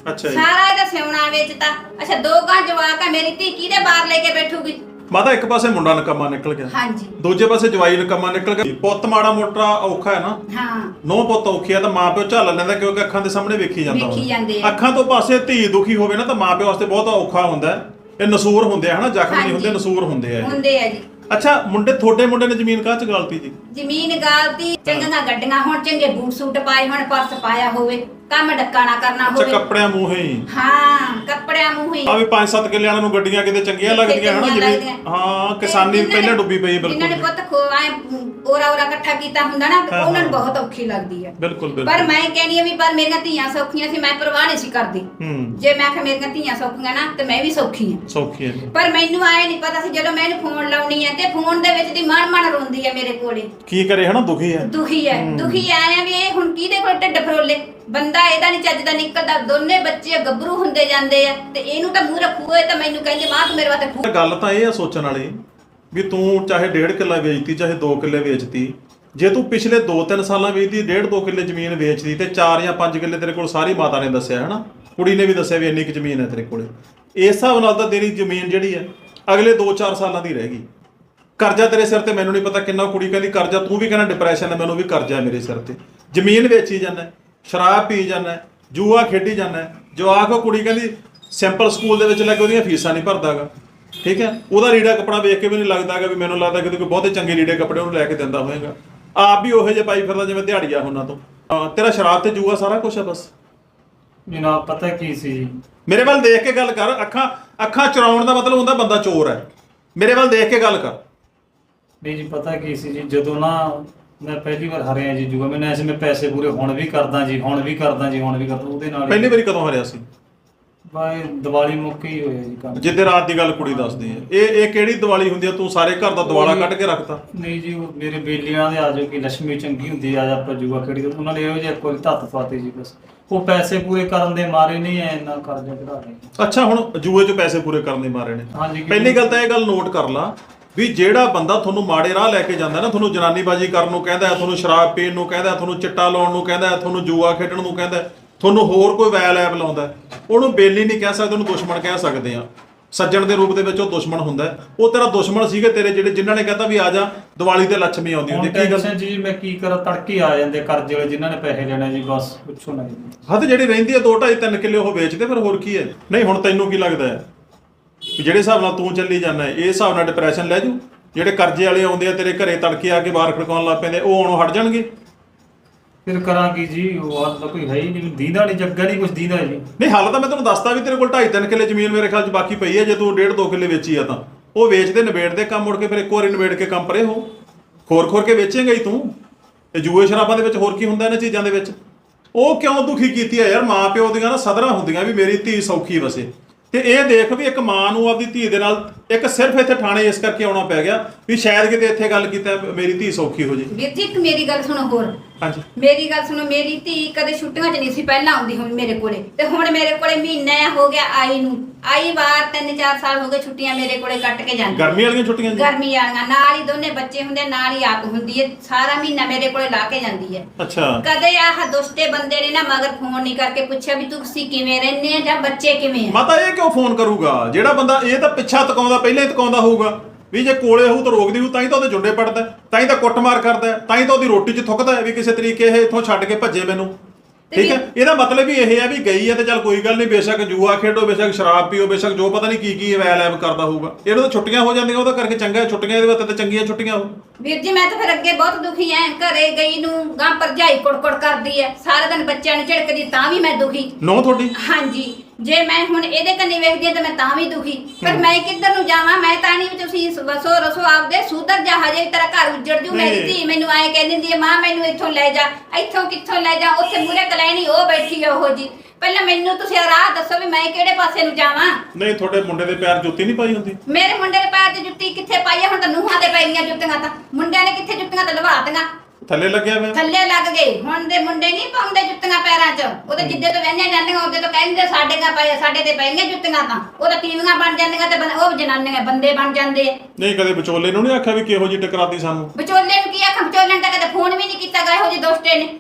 [SPEAKER 2] ਅੱਛਾ ਜੀ।
[SPEAKER 1] ਸਾਰਾ ਇਹਦਾ ਸਿਉਣਾ ਵੇਚਤਾ। ਅੱਛਾ 2 ਗਾਂ ਜਵਾਕ ਆ, ਮੇਰੀ ਧੀ ਕਿਹਦੇ ਬਾਹਰ ਲੈ ਕੇ ਬੈਠੂਗੀ?
[SPEAKER 2] ਮਾਤਾ ਇੱਕ ਪਾਸੇ ਮੁੰਡਾ ਨਕਮਾ ਨਿਕਲ ਗਿਆ,
[SPEAKER 1] ਹਾਂਜੀ
[SPEAKER 2] ਦੂਜੇ ਪਾਸੇ ਜਵਾਈ ਨਕਮਾ ਨਿਕਲ ਗਿਆ। ਪੁੱਤ ਮਾੜਾ ਮੋਟਾ ਔਖਾ ਹੈ ਨਾ,
[SPEAKER 1] ਹਾਂ
[SPEAKER 2] ਨੌ ਪੁੱਤ ਔਖੇ ਆ ਤਾਂ ਮਾਂ ਪਿਓ ਝੱਲ ਲੈਂਦਾ, ਕਿਉਂਕਿ ਅੱਖਾਂ ਦੇ ਸਾਹਮਣੇ ਵੇਖੀ ਜਾਂਦਾ
[SPEAKER 1] ਵੇਖੀ ਜਾਂਦੇ
[SPEAKER 2] ਹੁੰਦਾ।
[SPEAKER 1] ਆ।
[SPEAKER 2] ਅੱਖਾਂ ਤੋਂ ਪਾਸੇ ਧੀ ਦੁਖੀ ਹੋਵੇ ਨਾ ਤਾਂ ਮਾਂ ਪਿਓ ਵਾਸਤੇ ਬਹੁਤ ਔਖਾ ਹੁੰਦਾ ਹੈ। ਇਹ ਨਸੂਰ ਹੁੰਦੇ ਆ ਹਨਾ, ਜ਼ਖਮ ਨਹੀਂ ਹੁੰਦੇ,
[SPEAKER 1] ਹਾਂਜੀ।
[SPEAKER 2] ਨਸੂਰ ਹੁੰਦੇ ਆ ਇਹ।
[SPEAKER 1] ਹੁੰਦੇ ਆ ਜੀ।
[SPEAKER 2] ਅੱਛਾ ਤੁਹਾਡੇ ਮੁੰਡੇ ਨੇ ਜ਼ਮੀਨ ਕਾਹ ਚ ਗਾਲਤੀ ਜੀ?
[SPEAKER 1] ਜ਼ਮੀਨ ਗਾਲਤੀ, ਚੰਗੀਆਂ ਗੱਡੀਆਂ ਹੁਣ, ਚੰਗੇ ਬੂਟ ਸੂਟ ਪਾਏ ਹੁਣ, ਪਰਸ ਪਾਇਆ ਹੋਵੇ, ਕੰਮ ਡੱਕਾ ਨਾ ਕਰਨਾ
[SPEAKER 2] ਅੱਛਾ
[SPEAKER 1] ਹੋਵੇ।
[SPEAKER 2] ਕੱਪੜਿਆਂ ਮੂੰਹੇ ਹੀ
[SPEAKER 1] ਹਾਂ ਕੱਪੜਿਆਂ ਮੂੰਹ ਹੀ
[SPEAKER 2] ਆ ਵੀ 5-7 ਕਿੱਲੇ ਵਾਲਿਆਂ ਨੂੰ ਗੱਡੀਆਂ ਕਿਤੇ ਚੰਗੀਆਂ ਲੱਗਦੀਆਂ ਹਨਾ
[SPEAKER 1] ਚੰਗੀਆਂ
[SPEAKER 2] ਜਿਵੇਂ।
[SPEAKER 1] ਲੱਗਦੀਆਂ।
[SPEAKER 2] ਹਾਂ ਕਿਸਾਨੀ
[SPEAKER 1] ਜਿਨ੍ਹਾਂ
[SPEAKER 2] ਪਹਿਲਾਂ
[SPEAKER 1] ਨੇ-
[SPEAKER 2] ਡੁੱਬੀ ਪਈ ਹੈ
[SPEAKER 1] ਜਿਨ੍ਹਾਂ ਨੇ
[SPEAKER 2] ਬਿਲਕੁਲ।
[SPEAKER 1] ਪੁੱਤ ਖੋਆਏ ਓਰਾ ਇਕੱਠਾ ਕੀਤਾ ਹੁੰਦਾ ਨਾ, ਤੇ
[SPEAKER 2] ਹਾਂ,
[SPEAKER 1] ਉਹਨਾਂ ਨੂੰ
[SPEAKER 2] ਹਾਂ।
[SPEAKER 1] ਬਹੁਤ ਔਖੀ ਲੱਗਦੀ ਹੈ।
[SPEAKER 2] ਬਿਲਕੁਲ
[SPEAKER 1] ਪਰ
[SPEAKER 2] ਬਿਲਕੁਲ।
[SPEAKER 1] ਮੈਂ ਕਹਿੰਦੀ ਆ ਵੀ ਪਰ ਮੇਰੀਆਂ ਧੀਆਂ ਸੌਖੀਆਂ ਸੀ, ਮੈਂ ਪਰਵਾਹ ਨਹੀਂ ਸੀ ਕਰਦੀ। ਜੇ ਮੈਂ ਆਖਿਆ ਮੇਰੀਆਂ ਧੀਆਂ ਸੌਖੀਆਂ ਨਾ ਤੇ ਮੈਂ ਵੀ ਸੌਖੀ ਹਾਂ।
[SPEAKER 2] ਸੌਖੀ ਹੈ ਜੀ।
[SPEAKER 1] ਪਰ ਮੈਨੂੰ ਆਏ ਨਹੀਂ ਪਤਾ ਸੀ ਜਦੋਂ ਮੈਂ ਇਹਨੂੰ ਫੋਨ ਲਾਉਣੀ ਹੈ ਤੇ ਫੋਨ ਦੇ ਵਿੱਚ ਦੀ ਮਨ ਰੋਂਦੀ ਹੈ ਮੇਰੇ ਕੋਲੇ,
[SPEAKER 2] ਕੀ ਕਰੇ ਹਨਾ, ਦੁਖੀ ਹੈ।
[SPEAKER 1] ਦੁਖੀ ਹੈ। ਦੁਖੀ ਆਏ ਆ ਵੀ ਇਹ ਹੁਣ ਕਿਹਦੇ ਕੋਲ ਢਿੱਡ ਫਰੋਲੇ, ਬੰਦਾ ਇਹਦਾ ਨਹੀਂ ਚੱਜਦਾ ਨਿਕਲਦਾ, ਦੋਨੇ ਬੱਚੇ ਗੱਭਰੂ ਹੁੰਦੇ ਜਾਂਦੇ ਆ ਤੇ ਇਹਨੂੰ ਤਾਂ ਮੂੰਹ ਰੱਖੂਏ ਤਾਂ ਮੈਨੂੰ ਕਹਿੰਦੇ ਮਾਂ ਤੂੰ ਮੇਰੇ ਵਾਸਤੇ ਖੂਹ।
[SPEAKER 2] ਗੱਲ ਤਾਂ ਇਹ ਆ ਸੋਚਣ ਵਾਲੀ ਵੀ ਤੂੰ ਚਾਹੇ 1.5 ਕਿੱਲਾ ਵੇਚਤੀ ਚਾਹੇ 2 ਕਿੱਲੇ ਵੇਚਤੀ, ਜੇ ਤੂੰ ਪਿਛਲੇ 2-3 ਸਾਲਾਂ ਵੇਚਦੀ 1.5-2 ਕਿੱਲੇ ਜ਼ਮੀਨ ਵੇਚਦੀ ਤੇ 4 ਜਾਂ 5 ਕਿੱਲੇ ਤੇਰੇ ਕੋਲ ਸਾਰੀ ਮਾਤਾ ਨੇ ਦੱਸਿਆ ਹਨਾ, ਕੁੜੀ ਨੇ ਵੀ ਦੱਸਿਆ ਵੀ ਇੰਨੀ ਕੁ ਜ਼ਮੀਨ ਹੈ ਤੇਰੇ ਕੋਲੇ, ਇਸ ਹਿਸਾਬ ਨਾਲ ਤਾਂ ਤੇਰੀ ਜ਼ਮੀਨ ਜਿਹੜੀ ਹੈ ਅਗਲੇ 2-4 ਸਾਲਾਂ ਦੀ ਰਹਿ ਗਈ। ਕਰਜ਼ਾ ਤੇਰੇ ਸਿਰ ਤੇ ਮੈਨੂੰ ਨਹੀਂ ਪਤਾ ਕਿੰਨਾ, ਕੁੜੀ ਕਹਿੰਦੀ ਕਰਜ਼ਾ, ਤੂੰ ਵੀ ਕਹਿੰਦਾ ਡਿਪਰੈਸ਼ਨ ਹੈ, ਮੈਨੂੰ ਵੀ ਕਰਜ਼ਾ ਹੈ ਮੇਰੇ ਸਿਰ ਤੇ, ਜ਼ਮੀਨ ਵੇਚੀ ਜਾਂਦਾ, ਸ਼ਰਾਬ ਪੀ ਜਾਂਦਾ, ਜੂਆ ਖੇਡੀ ਜਾਂਦਾ, ਜਵਾਕ ਉਹ ਕੁੜੀ ਕਹਿੰਦੀ ਸਿੰਪਲ ਸਕੂਲ ਦੇ ਵਿੱਚ ਲੱਗ ਉਹਦੀਆਂ ਫੀਸਾਂ ਨਹੀਂ ਭਰਦਾਗਾ, ਠੀਕ ਹੈ, ਉਹਦਾ ਲੀੜਾ ਕੱਪੜਾ ਵੇਖ ਕੇ ਵੀ ਨਹੀਂ ਲੱਗਦਾਗਾ ਵੀ ਮੈਨੂੰ ਲੱਗਦਾ ਕਿ ਕੋਈ ਬਹੁਤੇ ਚੰਗੇ ਲੀੜੇ ਕੱਪੜੇ ਉਹਨੂੰ ਲੈ ਕੇ ਦਿੰਦਾ ਹੋਵੇਗਾ, ਆਪ ਵੀ ਉਹੋ ਜਿਹੇ ਪਾਈ ਫਿਰਦਾ ਜਿਵੇਂ ਦਿਹਾੜੀਆ ਉਹਨਾਂ ਤੋਂ। ਤੇਰਾ ਸ਼ਰਾਬ ਤੇ ਜੂਆ ਸਾਰਾ ਕੁਝ ਹੈ ਬਸ।
[SPEAKER 3] ਜਨਾਬ ਪਤਾ ਕੀ ਸੀ ਜੀ,
[SPEAKER 2] ਮੇਰੇ ਵੱਲ ਦੇਖ ਕੇ ਗੱਲ ਕਰ, ਅੱਖਾਂ ਚੁਰਾਉਣ ਦਾ ਮਤਲਬ ਹੁੰਦਾ ਬੰਦਾ ਚੋਰ ਹੈ, ਮੇਰੇ ਵੱਲ ਦੇਖ ਕੇ ਗੱਲ ਕਰ।
[SPEAKER 3] ਨਹੀਂ ਜੀ ਪਤਾ ਕੀ ਸੀ ਜੀ, ਜਦੋਂ ਨਾ ਮੈਂ ਪਹਿਲੀ ਵਾਰ ਹਾਰਿਆ ਜੀ ਜੂਆ, ਮੈਨੂੰ ਐਸੇ ਮੈਂ ਪੈਸੇ ਪੂਰੇ ਹੁਣ ਵੀ ਕਰਦਾ ਜੀ, ਹੁਣ ਵੀ ਕਰਦਾ ਜੀ, ਹੁਣ ਵੀ ਕਰਦਾ, ਉਹਦੇ ਨਾਲ
[SPEAKER 2] ਪਹਿਲੀ ਵਾਰੀ ਕਦੋਂ ਹਾਰਿਆ ਸੀ?
[SPEAKER 3] ਬਾਈ ਦੀਵਾਲੀ ਮੌਕੇ ਹੀ ਹੋਇਆ ਜੀ ਕੰਮ।
[SPEAKER 2] ਜਿੱਦੇ ਰਾਤ ਦੀ ਗੱਲ ਕੁੜੀ ਦੱਸਦੀ ਹੈ, ਇਹ ਕਿਹੜੀ ਦੀਵਾਲੀ ਹੁੰਦੀ ਆ? ਤੂੰ ਸਾਰੇ ਘਰ ਦਾ ਦਿਵਾਲਾ ਕੱਢ ਕੇ ਰੱਖਤਾ।
[SPEAKER 3] ਨਹੀਂ ਜੀ ਉਹ ਮੇਰੇ ਬੇਲੀਆਂ ਦੇ ਆ ਜੋ ਕਿ ਲక్ష్ਮੀ ਚੰਗੀ ਹੁੰਦੀ ਆ, ਆਪਾਂ ਜੂਆ ਖੇਡੀ, ਉਹਨਾਂ ਨੇ ਇਹੋ ਜਿਹਾ ਕੋਈ ਧੱਤ ਪਾਤੀ ਜੀ ਬਸ, ਉਹ ਪੈਸੇ ਪੂਰੇ ਕਰਨ ਦੇ ਮਾਰੇ ਨਹੀਂ ਐ ਇੰਨਾ ਕਰਜ਼ਾ ਚੜਾ ਰਹੇ।
[SPEAKER 2] ਅੱਛਾ ਹੁਣ ਜੂਏ 'ਚ ਪੈਸੇ ਪੂਰੇ ਕਰਨ ਦੇ ਮਾਰੇ ਨੇ।
[SPEAKER 3] ਹਾਂਜੀ
[SPEAKER 2] ਪਹਿਲੀ ਗੱਲ ਤਾਂ ਇਹ ਗੱਲ ਨੋਟ ਕਰ ਲਾ ਵੀ ਜਿਹੜਾ ਬੰਦਾ ਤੁਹਾਨੂੰ ਮਾੜੇ ਰਾਹ ਲੈ ਕੇ ਜਾਂਦਾ ਨਾ, ਤੁਹਾਨੂੰ ਜਨਾਨੀਬਾਜ਼ੀ ਕਰਨ ਨੂੰ ਕਹਿੰਦਾ ਹੈ, ਤੁਹਾਨੂੰ ਸ਼ਰਾਬ ਪੀਣ ਨੂੰ ਕਹਿੰਦਾ, ਤੁਹਾਨੂੰ ਚਿੱਟਾ ਲਾਉਣ ਨੂੰ ਕਹਿੰਦਾ, ਤੁਹਾਨੂੰ ਜੂਆ ਖੇਡਣ ਨੂੰ ਕਹਿੰਦਾ, ਤੁਹਾਨੂੰ ਹੋਰ ਕੋਈ ਵੈਲ ਐਪ ਲਾਉਂਦਾ, ਉਹਨੂੰ ਬੇਲੀ ਨਹੀਂ ਕਹਿ ਸਕਦੇ, ਉਹਨੂੰ ਦੁਸ਼ਮਣ ਕਹਿ ਸਕਦੇ ਆ। ਸੱਜਣ ਦੇ ਰੂਪ ਦੇ ਵਿੱਚ ਉਹ ਦੁਸ਼ਮਣ ਹੁੰਦਾ, ਉਹ ਤੇਰਾ ਦੁਸ਼ਮਣ ਸੀਗੇ ਤੇਰੇ ਜਿਨ੍ਹਾਂ ਨੇ ਕਹਿੰਦਾ ਵੀ ਆ ਜਾ ਦੀਵਾਲੀ ਤੇ ਲੱਛਮੀ ਆਉਂਦੀ ਹੁੰਦੀ। ਕੀ ਗੱਲ
[SPEAKER 3] ਜੀ ਮੈਂ ਕੀ ਕਰਾਂ, ਤੜਕੇ ਆ ਜਾਂਦੇ ਕਰਜ਼ੇ ਵਾਲੇ ਜਿਨ੍ਹਾਂ ਨੇ ਪੈਸੇ ਲੈਣੇ ਜੀ, ਬਸ ਪੁੱਛੋ ਨਾ ਜੀ।
[SPEAKER 2] ਹੱਦ ਜਿਹੜੀ ਰਹਿੰਦੀ ਹੈ 2-2.5-3 ਕਿੱਲੇ ਉਹ ਵੇਚਦੇ, ਫਿਰ ਹੋਰ ਕੀ ਹੈ? ਨਹੀਂ ਹੁਣ ਤੈਨੂੰ ਕੀ ਲੱਗਦਾ ਹੈ ਵੀ ਜਿਹੜੇ ਹਿਸਾਬ ਨਾਲ ਤੂੰ ਚੱਲੀ ਜਾਂਦਾ ਇਹ ਹਿਸਾਬ ਨਾਲ ਡਿਪਰੈਸ਼ਨ ਲੈ ਜੂ? ਜਿਹੜੇ ਕਰਜ਼ੇ ਵਾਲੇ ਆਉਂਦੇ ਆ ਤੇਰੇ ਘਰੇ ਤੜਕੇ ਆ ਕੇ ਬਾਹਰ ਖੜਕਾਉਣ ਲੱਗ ਪੈਂਦੇ, ਉਹ ਆਉਣੋਂ ਹਟ ਜਾਣਗੇ?
[SPEAKER 3] ਫਿਰ ਕਰਾਂਗੀ ਜੀ, ਉਹ ਹੱਲ ਤਾਂ ਕੋਈ ਹੈ ਹੀ ਨਹੀਂ, ਦੀਦਾ ਨਹੀਂ, ਜੱਗਾ ਨਹੀਂ ਕੁਝ ਦੀਦਾ ਜੀ।
[SPEAKER 2] ਨਹੀਂ ਹੱਲ ਤਾਂ ਮੈਂ ਤੈਨੂੰ ਦੱਸਦਾ ਵੀ ਤੇਰੇ ਕੋਲ 2.5-3 ਕਿੱਲੇ ਜ਼ਮੀਨ ਮੇਰੇ ਖਿਆਲ 'ਚ ਬਾਕੀ ਪਈ ਹੈ, ਜੇ ਤੂੰ 1.5-2 ਕਿੱਲੇ ਵੇਚੀ ਆ ਤਾਂ ਉਹ ਵੇਚਦੇ ਨਿਬੇੜਦੇ ਕੰਮ, ਮੁੜ ਕੇ ਫਿਰ ਇੱਕ ਵਾਰੀ ਨਿਬੇੜ ਕੇ ਕੰਮ ਪਰੇ ਹੋ, ਖੋਰ ਕੇ ਵੇਚੇਂਗਾ ਹੀ ਤੂੰ। ਤੇ ਜੂਏ ਸ਼ਰਾਬਾਂ ਦੇ ਵਿੱਚ ਹੋਰ ਕੀ ਹੁੰਦਾ ਇਹਨਾਂ ਚੀਜ਼ਾਂ ਦੇ ਵਿੱਚ? ਉਹ ਕਿਉਂ ਦੁਖੀ ਕੀਤੀ ਆ ਯਾਰ? ਮਾਂ ਪਿਓ ਦੀਆਂ ਨਾ ਸਦਰਾਂ ਹੁੰਦੀਆਂ ਵੀ ਮੇਰੀ ਧੀ ਸੌਖੀ ਵਸੇ, ਤੇ ਇਹ ਦੇਖ ਵੀ ਇੱਕ ਮਾਂ ਨੂੰ ਆਪਦੀ ਧੀ ਦੇ ਨਾਲ ਇੱਕ ਸਿਰਫ ਇੱਥੇ ਥਾਣੇ ਇਸ ਕਰਕੇ ਆਉਣਾ ਪੈ ਗਿਆ ਵੀ ਸ਼ਾਇਦ ਕਿਤੇ ਇੱਥੇ ਗੱਲ ਕੀਤਾ ਮੇਰੀ ਧੀ ਸੌਖੀ ਹੋ ਜੇ।
[SPEAKER 1] ਵੀਰ ਜੀ ਇੱਕ ਮੇਰੀ ਗੱਲ ਸੁਣੋ ਹੋਰ,
[SPEAKER 2] ਹਾਂਜੀ
[SPEAKER 1] ਮੇਰੀ ਗੱਲ ਸੁਣੋ, ਮੇਰੀ ਧੀ ਕਦੇ ਛੁੱਟੀਆਂ 'ਚ ਨਹੀਂ ਸੀ ਪਹਿਲਾਂ ਆਉਂਦੀ ਹੁਣ ਮੇਰੇ ਕੋਲੇ, ਤੇ ਹੁਣ ਮੇਰੇ ਕੋਲੇ ਮਹੀਨਾ ਹੋ ਗਿਆ ਆਈ ਨੂੰ, ਆਈ ਵਾਰ 3-4 ਸਾਲ ਹੋ ਗਏ ਛੁੱਟੀਆਂ ਮੇਰੇ ਕੋਲੇ ਕੱਟ ਕੇ ਜਾਂਦੀ।
[SPEAKER 2] ਗਰਮੀ ਵਾਲੀਆਂ ਛੁੱਟੀਆਂ ਜੀ?
[SPEAKER 1] ਗਰਮੀ ਵਾਲੀਆਂ, ਨਾਲ ਹੀ ਦੋਨੇ ਬੱਚੇ ਹੁੰਦੇ, ਨਾਲ ਹੀ ਆਪ ਹੁੰਦੀ ਹੈ, ਸਾਰਾ ਮਹੀਨਾ ਮੇਰੇ ਕੋਲੇ ਲਾ ਕੇ ਜਾਂਦੀ ਹੈ।
[SPEAKER 2] ਅੱਛਾ
[SPEAKER 1] ਕਦੇ ਆਹ ਦੁਸ਼ਟੇ ਬੰਦੇ ਨੇ ਨਾ ਮਗਰ ਫੋਨ ਨਹੀਂ ਕਰਕੇ ਪੁੱਛਿਆ ਵੀ ਤੁਸੀਂ ਕਿਵੇਂ ਰਹਿੰਦੇ ਆ ਜਾਂ ਬੱਚੇ ਕਿਵੇਂ ਆ।
[SPEAKER 2] ਮਾਤਾ ਇਹ ਕਿਉਂ ਫੋਨ ਕਰੂਗਾ? ਜਿਹੜਾ ਬੰਦਾ ਇਹ ਤਾਂ ਪਿੱਛਾ ਤਕਾਉਂਦਾ ਪਹਿਲਾਂ ਹੀ ਤਕਾਉਂਦਾ ਹੋਊਗਾ ਵੀ ਜੇ ਕੋਲੇ ਹੋਊ ਤਾਂ ਰੋਕਦੀ ਹੋਊ, ਤਾਂ ਹੀ ਤਾਂ ਉਹਦੇ ਜੁੰਡੇ ਪੜਦਾ, ਤਾਂ ਹੀ ਤਾਂ ਕੁੱਟਮਾਰ ਕਰਦਾ, ਤਾਂ ਹੀ ਤਾਂ ਉਹਦੀ ਰੋਟੀ 'ਚ ਥੁੱਕਦਾ ਵੀ ਕਿਸੇ ਤਰੀਕੇ ਇਹ ਇੱਥੋਂ ਛੱਡ ਕੇ ਭੱਜੇ ਮੈਨੂੰ, ਠੀਕ ਹੈ? ਇਹਦਾ ਮਤਲਬ ਵੀ ਇਹ ਹੈ ਵੀ ਗਈ ਹੈ ਤੇ ਚੱਲ ਕੋਈ ਗੱਲ ਨਹੀਂ, ਬੇਸ਼ੱਕ ਜੂਆ ਖੇਡੋ, ਬੇਸ਼ੱਕ ਸ਼ਰਾਬ ਪੀਓ, ਬੇਸ਼ੱਕ ਜੋ ਪਤਾ ਨਹੀਂ ਕੀ ਵੈਲ ਐਬ ਕਰਦਾ ਹੋਊਗਾ, ਇਹਨੂੰ ਤਾਂ ਛੁੱਟੀਆਂ ਹੋ ਜਾਂਦੀਆਂ, ਉਹਦਾ ਕਰਕੇ ਚੰਗਾ ਛੁੱਟੀਆਂ, ਇਹਦੇ ਵਾਸਤੇ ਤਾਂ ਚੰਗੀਆਂ ਛੁੱਟੀਆਂ ਹੋ।
[SPEAKER 1] ਵੀਰ ਜੀ ਮੈਂ ਤਾਂ ਫਿਰ ਅੱਗੇ ਬਹੁਤ ਦੁਖੀ ਐ, ਘਰੇ ਗਈ ਨੂੰ ਗਾਂ ਭਰਜਾਈ ਕੁੜਕੁੜ ਕਰਦੀ ਐ, ਸਾਰਾ ਦਿਨ ਬੱਚਿਆਂ ਨੂੰ ਝਿੜਕਦੀ, ਤਾਂ ਵੀ ਮੈਂ ਦੁਖੀ।
[SPEAKER 2] ਨੋ ਤੁਹਾਡੀ?
[SPEAKER 1] ਹਾਂਜੀ, ਜੇ ਮੈਂ ਹੁਣ ਇਹਦੇ ਕੰਨੀ ਵੇਖਦੀ ਤਾਂ ਮੈਂ ਤਾਂ ਵੀ ਦੁਖੀ, ਪਰ ਮੈਂ ਕਿੱਧਰ ਨੂੰ ਜਾਵਾਂ? ਮੈਂ ਤਾਂ ਨਹੀਂ ਵੀ ਤੁਸੀਂ ਵਸੋ ਰਸੋ ਆਪਦੇ, ਸੁਧਰ ਜਾ, ਹਜੇ ਤੇਰਾ ਘਰ ਉੱਜੜ ਜੂ। ਮੇਰੀ ਧੀ ਮੈਨੂੰ ਆਏ ਕਹਿ ਦਿੰਦੀ ਹੈ ਮਾਂ ਮੈਨੂੰ ਇੱਥੋਂ ਲੈ ਜਾ, ਇੱਥੋਂ ਕਿੱਥੋਂ ਲੈ ਜਾ, ਉੱਥੇ ਮੂਹਰੇ ਕਲੈਣੀ ਉਹ ਬੈਠੀ ਆ ਉਹੋ ਜੀ। ਪਹਿਲਾਂ ਮੈਨੂੰ ਤੁਸੀਂ ਰਾਹ ਦੱਸੋ ਵੀ ਮੈਂ ਕਿਹੜੇ ਪਾਸੇ ਨੂੰ ਜਾਵਾਂ?
[SPEAKER 2] ਨਹੀਂ ਤੁਹਾਡੇ ਮੁੰਡੇ ਦੇ ਪੈਰ ਜੁੱਤੀ ਨਹੀਂ ਪਾਈ ਹੁੰਦੀ?
[SPEAKER 1] ਮੇਰੇ ਮੁੰਡੇ ਦੇ ਪੈਰ 'ਚ ਜੁੱਤੀ ਕਿੱਥੇ ਪਾਈ ਹੈ? ਹੁਣ ਤਾਂ ਨੂੰਹਾਂ ਦੇ ਪੈ ਗਈਆਂ ਜੁੱਤੀਆਂ, ਤਾਂ ਮੁੰਡਿਆਂ ਨੇ ਕਿੱਥੇ ਜੁੱਤੀਆਂ ਤਾਂ ਲਵਾਤੀਆਂ,
[SPEAKER 2] ਥੱਲੇ ਲੱਗਿਆ ਹੋਇਆ?
[SPEAKER 1] ਥੱਲੇ ਲੱਗ ਗਏ। ਹੁਣ ਦੇ ਮੁੰਡੇ ਨਹੀਂ ਪਾਉਂਦੇ ਜੁੱਤੀਆਂ ਪੈਰਾਂ 'ਚ, ਉਹ ਤਾਂ ਜਿੱਦੇ ਤੋਂ ਵਹਿੰਦੀਆਂ ਜਾਂਦੀਆਂ ਉਹਦੇ ਤੋਂ ਕਹਿੰਦੇ ਸਾਡੇ ਤੇ ਪੈ ਗਈਆਂ ਜੁੱਤੀਆਂ, ਤਾਂ ਉਹ ਤਾਂ ਟੀਵੀਆਂ ਬਣ ਜਾਂਦੀਆਂ ਤੇ ਉਹ ਜਨਾਨੀਆਂ ਬੰਦੇ ਬਣ ਜਾਂਦੇ ਆ।
[SPEAKER 2] ਨਹੀਂ ਕਦੇ ਵਿਚੋਲੇ ਨੂੰ ਨਹੀਂ ਆਖਿਆ ਵੀ ਕਿਹੋ ਜਿਹੀ ਟਕਰਾਤੀ ਸਾਨੂੰ?
[SPEAKER 1] ਵਿਚੋਲੇ ਨੂੰ ਕੀ ਆਖਾਂ? ਵਿਚੋਲੇ ਨੇ ਤਾਂ ਕਦੇ ਫੋਨ ਵੀ ਨਹੀਂ ਕੀਤਾ ਗਾ ਇਹੋ ਜਿਹੇ ਦੋਸਤੇ ਨੇ।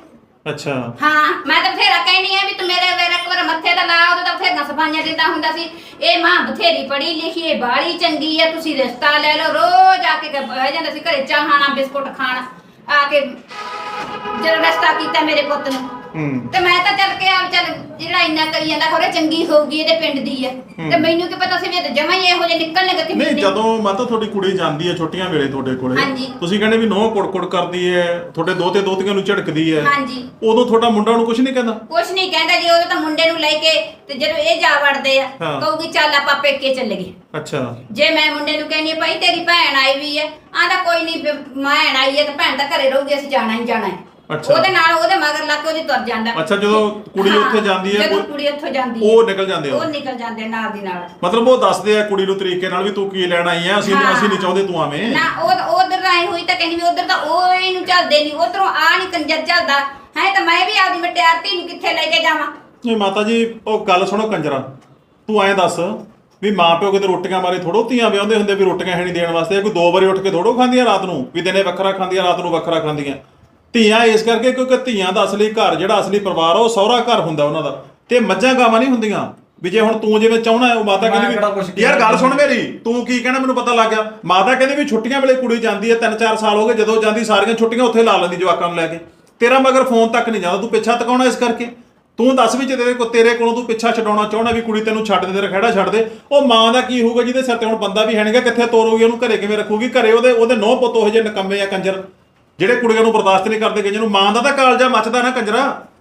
[SPEAKER 2] ਅੱਛਾ
[SPEAKER 1] ਹਾਂ ਮੈਂ ਤਾਂ ਬਥੇਰਾ ਕਹਿਣੀ ਆ ਵੀ ਤੂੰ ਮੇਰੇ ਇੱਕ ਵਾਰ ਮੱਥੇ ਤੇ ਲਾ, ਉਦੋਂ ਤਾਂ ਬਥੇਰੀਆਂ ਸਫਾਈਆਂ ਦਿੰਦਾ ਹੁੰਦਾ ਸੀ। ਇਹ ਮਾਂ ਬਥੇਰੀ ਪੜ੍ਹੀ ਲਿਖੀ, ਇਹ ਬਾਹਲੀ ਚੰਗੀ ਆ, ਤੁਸੀਂ ਰਿਸ਼ਤਾ ਲੈ ਲਓ। ਰੋਜ਼ ਆ ਕੇ ਬਹਿ ਜਾਂਦਾ ਸੀ ਘਰੇ, ਚਾਹ ਖਾਣਾ ਬਿਸਕੁਟ ਖਾਣਾ ਆ ਕੇ, ਜਦੋਂ ਰਿਸ਼ਤਾ ਕੀਤਾ ਮੇਰੇ ਪੁੱਤ ਨੂੰ। ਤੇ ਮੈਂ ਤਾਂ ਚੱਲ ਕੇ ਆਪ ਚੱਲ ਜਿਹੜਾ ਇੰਨਾ ਕਰੀ ਜਾਂਦਾ ਖੋਰੇ ਚੰਗੀ ਹੋਊਗੀ, ਇਹਦੇ ਪਿੰਡ ਦੀ ਆ। ਤੇ ਮੈਨੂੰ ਕੀ ਪਤਾ ਸੀ ਵੀ ਇਹ ਤਾਂ ਜਮਾਂ ਹੀ ਇਹੋ ਜਿਹੇ ਨਿਕਲਣਗੇ ਕਿ
[SPEAKER 2] ਨਹੀਂ, ਜਦੋਂ ਮਾਤਾ ਤੁਹਾਡੀ ਕੁੜੀ ਜਾਂਦੀ ਹੈ ਛੁੱਟੀਆਂ ਵੇਲੇ ਤੁਹਾਡੇ ਕੋਲੇ,
[SPEAKER 1] ਹਾਂਜੀ।
[SPEAKER 2] ਤੁਸੀਂ ਕਹਿੰਦੇ ਵੀ ਨੋਹ ਕੁੜ ਕਰਦੀ ਹੈ, ਤੁਹਾਡੇ ਦੋਤੇ ਦੋਤੀਆਂ ਨੂੰ ਝੜਕਦੀ ਹੈ,
[SPEAKER 1] ਹਾਂਜੀ।
[SPEAKER 2] ਉਦੋਂ ਤੁਹਾਡਾ ਮੁੰਡਾ ਨੂੰ ਕੁਝ ਨਹੀਂ ਕਹਿੰਦਾ?
[SPEAKER 1] ਕੁਛ ਨਹੀਂ ਕਹਿੰਦਾ ਜੀ, ਉਦੋਂ ਤਾਂ ਮੁੰਡੇ ਨੂੰ ਲੈ ਕੇ ਤੇ ਜਦੋਂ ਇਹ ਜਾ ਵੜਦੇ ਆ
[SPEAKER 2] ਹਾਂ।
[SPEAKER 1] ਕਹੂਗੀ ਚੱਲ ਆਪਾਂ ਪੇਕੇ ਚੱਲ ਗਏ।
[SPEAKER 2] ਅੱਛਾ।
[SPEAKER 1] ਜੇ ਮੈਂ ਮੁੰਡੇ ਨੂੰ ਕਹਿੰਦੀ ਭਾਈ ਤੇਰੀ ਭੈਣ ਆਈ ਵੀ ਹੈ, ਆਂਦਾ ਕੋਈ ਨਹੀਂ ਭੈਣ ਆਈ ਹੈ ਤਾਂ ਭੈਣ ਤਾਂ ਘਰੇ ਰਹੂਗੀ, ਅਸੀਂ ਜਾਣਾ ਹੀ ਜਾਣਾ ਹੈ।
[SPEAKER 2] ਅੱਛਾ।
[SPEAKER 1] ਉਹਦੇ ਨਾਲ ਉਹਦੇ ਮਗਰ ਲੱਗ ਕੇ ਉਹਦੀ ਤੁਰ ਜਾਂਦਾ।
[SPEAKER 2] ਅੱਛਾ, ਜਦੋਂ ਕੁੜੀ
[SPEAKER 1] ਹਾਂ,
[SPEAKER 2] ਉੱਥੇ ਜਾਂਦੀ ਹੈ
[SPEAKER 1] ਜਦੋਂ ਕੁੜੀ ਉੱਥੋਂ ਜਾਂਦੀ ਹੈ
[SPEAKER 2] ਉਹ ਨਿਕਲ ਜਾਂਦੇ
[SPEAKER 1] ਉਹ ਨਿਕਲ ਜਾਂਦੇ ਨਾਲ ਦੀ ਨਾਲ।
[SPEAKER 2] ਮਤਲਬ ਉਹ ਦੱਸਦੇ ਆ ਕੁੜੀ ਨੂੰ ਤਰੀਕੇ ਨਾਲ ਵੀ ਤੂੰ ਕੀ ਲੈਣ ਆਈ ਹੈ, ਅਸੀਂ ਨਹੀਂ ਚਾਹੁੰਦੇ ਤੂੰ ਆਵੇਂ।
[SPEAKER 1] ਨਾ ਉਹ ਉਧਰ ਆਈ ਹੋਈ ਤਾਂ ਕਹਿੰਦੀ ਵੀ ਉਧਰ ਤਾਂ ਉਹ ਇਹਨੂੰ ਚੱਲਦੇ ਨਹੀਂ, ਉਧਰੋਂ ਆ ਨਹੀਂ ਕੰਜਰ ਚੱਲਦਾ ਹੈ, ਤਾਂ ਮੈਂ ਵੀ ਆਪਦੀ ਮਟਿਆਰ ਧੀ ਨੂੰ ਕਿੱਥੇ ਲੈ ਕੇ ਜਾਵਾਂ?
[SPEAKER 2] ਨਹੀਂ ਮਾਤਾ ਜੀ, ਉਹ ਗੱਲ ਸੁਣੋ ਕੰਜਰਾ, ਤੂੰ ਐਂ ਦੱਸ ਵੀ ਮਾਂ ਪਿਓ ਕਿਤੇ ਰੋਟੀਆਂ ਮਾਰੇ ਥੋੜੋ ਧੀਆਂ ਵਿਆਹੁੰਦੇ ਹੁੰਦੇ ਵੀ ਰੋਟੀਆਂ ਹੈ ਨਹੀਂ ਦੇਣ ਵਾਸਤੇ। ਕੋਈ 2 ਵਾਰੀ ਉੱਠ ਕੇ ਥੋੜੋ ਖਾਂਦੀਆਂ ਰਾਤ ਨੂੰ, ਵੀ ਦਿਨੇ ਵੱਖਰਾ ਖਾਂਦੀਆਂ ਰਾਤ ਨੂੰ ਵੱਖਰਾ ਖਾਂਦੀਆਂ। ਧੀਆਂ ਇਸ ਕਰਕੇ ਕਿਉਂਕਿ ਧੀਆਂ ਦਾ ਅਸਲੀ ਘਰ ਜਿਹੜਾ ਅਸਲੀ ਪਰਿਵਾਰ ਉਹ ਸਹੁਰਾ ਘਰ ਹੁੰਦਾ ਉਹਨਾਂ ਦਾ, ਤੇ ਮੱਝਾਂ ਗਾਵਾਂ ਨਹੀਂ ਹੁੰਦੀਆਂ। ਵੀ ਜੇ ਹੁਣ ਤੂੰ ਜਿਵੇਂ ਚਾਹਣਾ ਹੈ, ਉਹ ਮਾਤਾ ਕਹਿੰਦੀ ਵੀ ਯਾਰ ਗੱਲ ਸੁਣ ਮੇਰੀ, ਤੂੰ ਕੀ ਕਹਿਣਾ ਮੈਨੂੰ ਪਤਾ ਲੱਗ ਗਿਆ। ਮਾਤਾ ਕਹਿੰਦੀ ਵੀ ਛੁੱਟੀਆਂ ਵੇਲੇ ਕੁੜੀ ਜਾਂਦੀ ਹੈ, 3-4 ਸਾਲ ਹੋ ਗਏ, ਜਦੋਂ ਜਾਂਦੀ ਸਾਰੀਆਂ ਛੁੱਟੀਆਂ ਉੱਥੇ ਲਾ ਲੈਂਦੀ ਜਵਾਕਾਂ ਨੂੰ ਲੈ ਕੇ। ਤੇਰਾ ਮਗਰ ਫੋਨ ਤੱਕ ਨਹੀਂ ਜਾਂਦਾ, ਤੂੰ ਪਿੱਛਾ ਤਕਾਉਣਾ ਇਸ ਕਰਕੇ। ਤੂੰ ਦੱਸ ਵੀ ਜੇ ਤੇਰੇ ਕੋਲੋਂ ਤੂੰ ਪਿੱਛਾ ਛਡਾਉਣਾ ਚਾਹਣਾ ਵੀ ਕੁੜੀ ਤੈਨੂੰ ਛੱਡ ਦੇ, ਤੇਰਾ ਖਹਿੜਾ ਛੱਡ ਦੇ, ਉਹ ਮਾਂ ਦਾ ਕੀ ਹੋਊਗਾ ਜਿਹਦੇ ਸਿਰ ਤੇ ਹੁਣ ਬੰਦਾ ਵੀ ਹੈ ਨਹੀਂਗਾ, ਕਿੱਥੇ ਤੋਰੂਗੀ ਉਹਨੂੰ, ਘਰੇ ਕਿਵੇਂ ਰੱਖੂਗੀ? ਘਰੇ ਉਹਦੇ ਨੌ ਪੁੱਤ ਉਹ ਜਿਹੇ ਨਕੰਮੇ ਆ ਕੰਜਰ, ਜਿਹੜੇ ਕੁੜੀਆਂ ਨੂੰ ਬਰਦਾਸ਼ਤ ਨਹੀਂ ਕਰਦੇ, ਜਿਹਨੂੰ ਮਾਂ ਦਾ ਤਾਂ ਕਾਲਜਾ ਮੱਚਦਾ ਨਾ ਕੰਜਰਾ।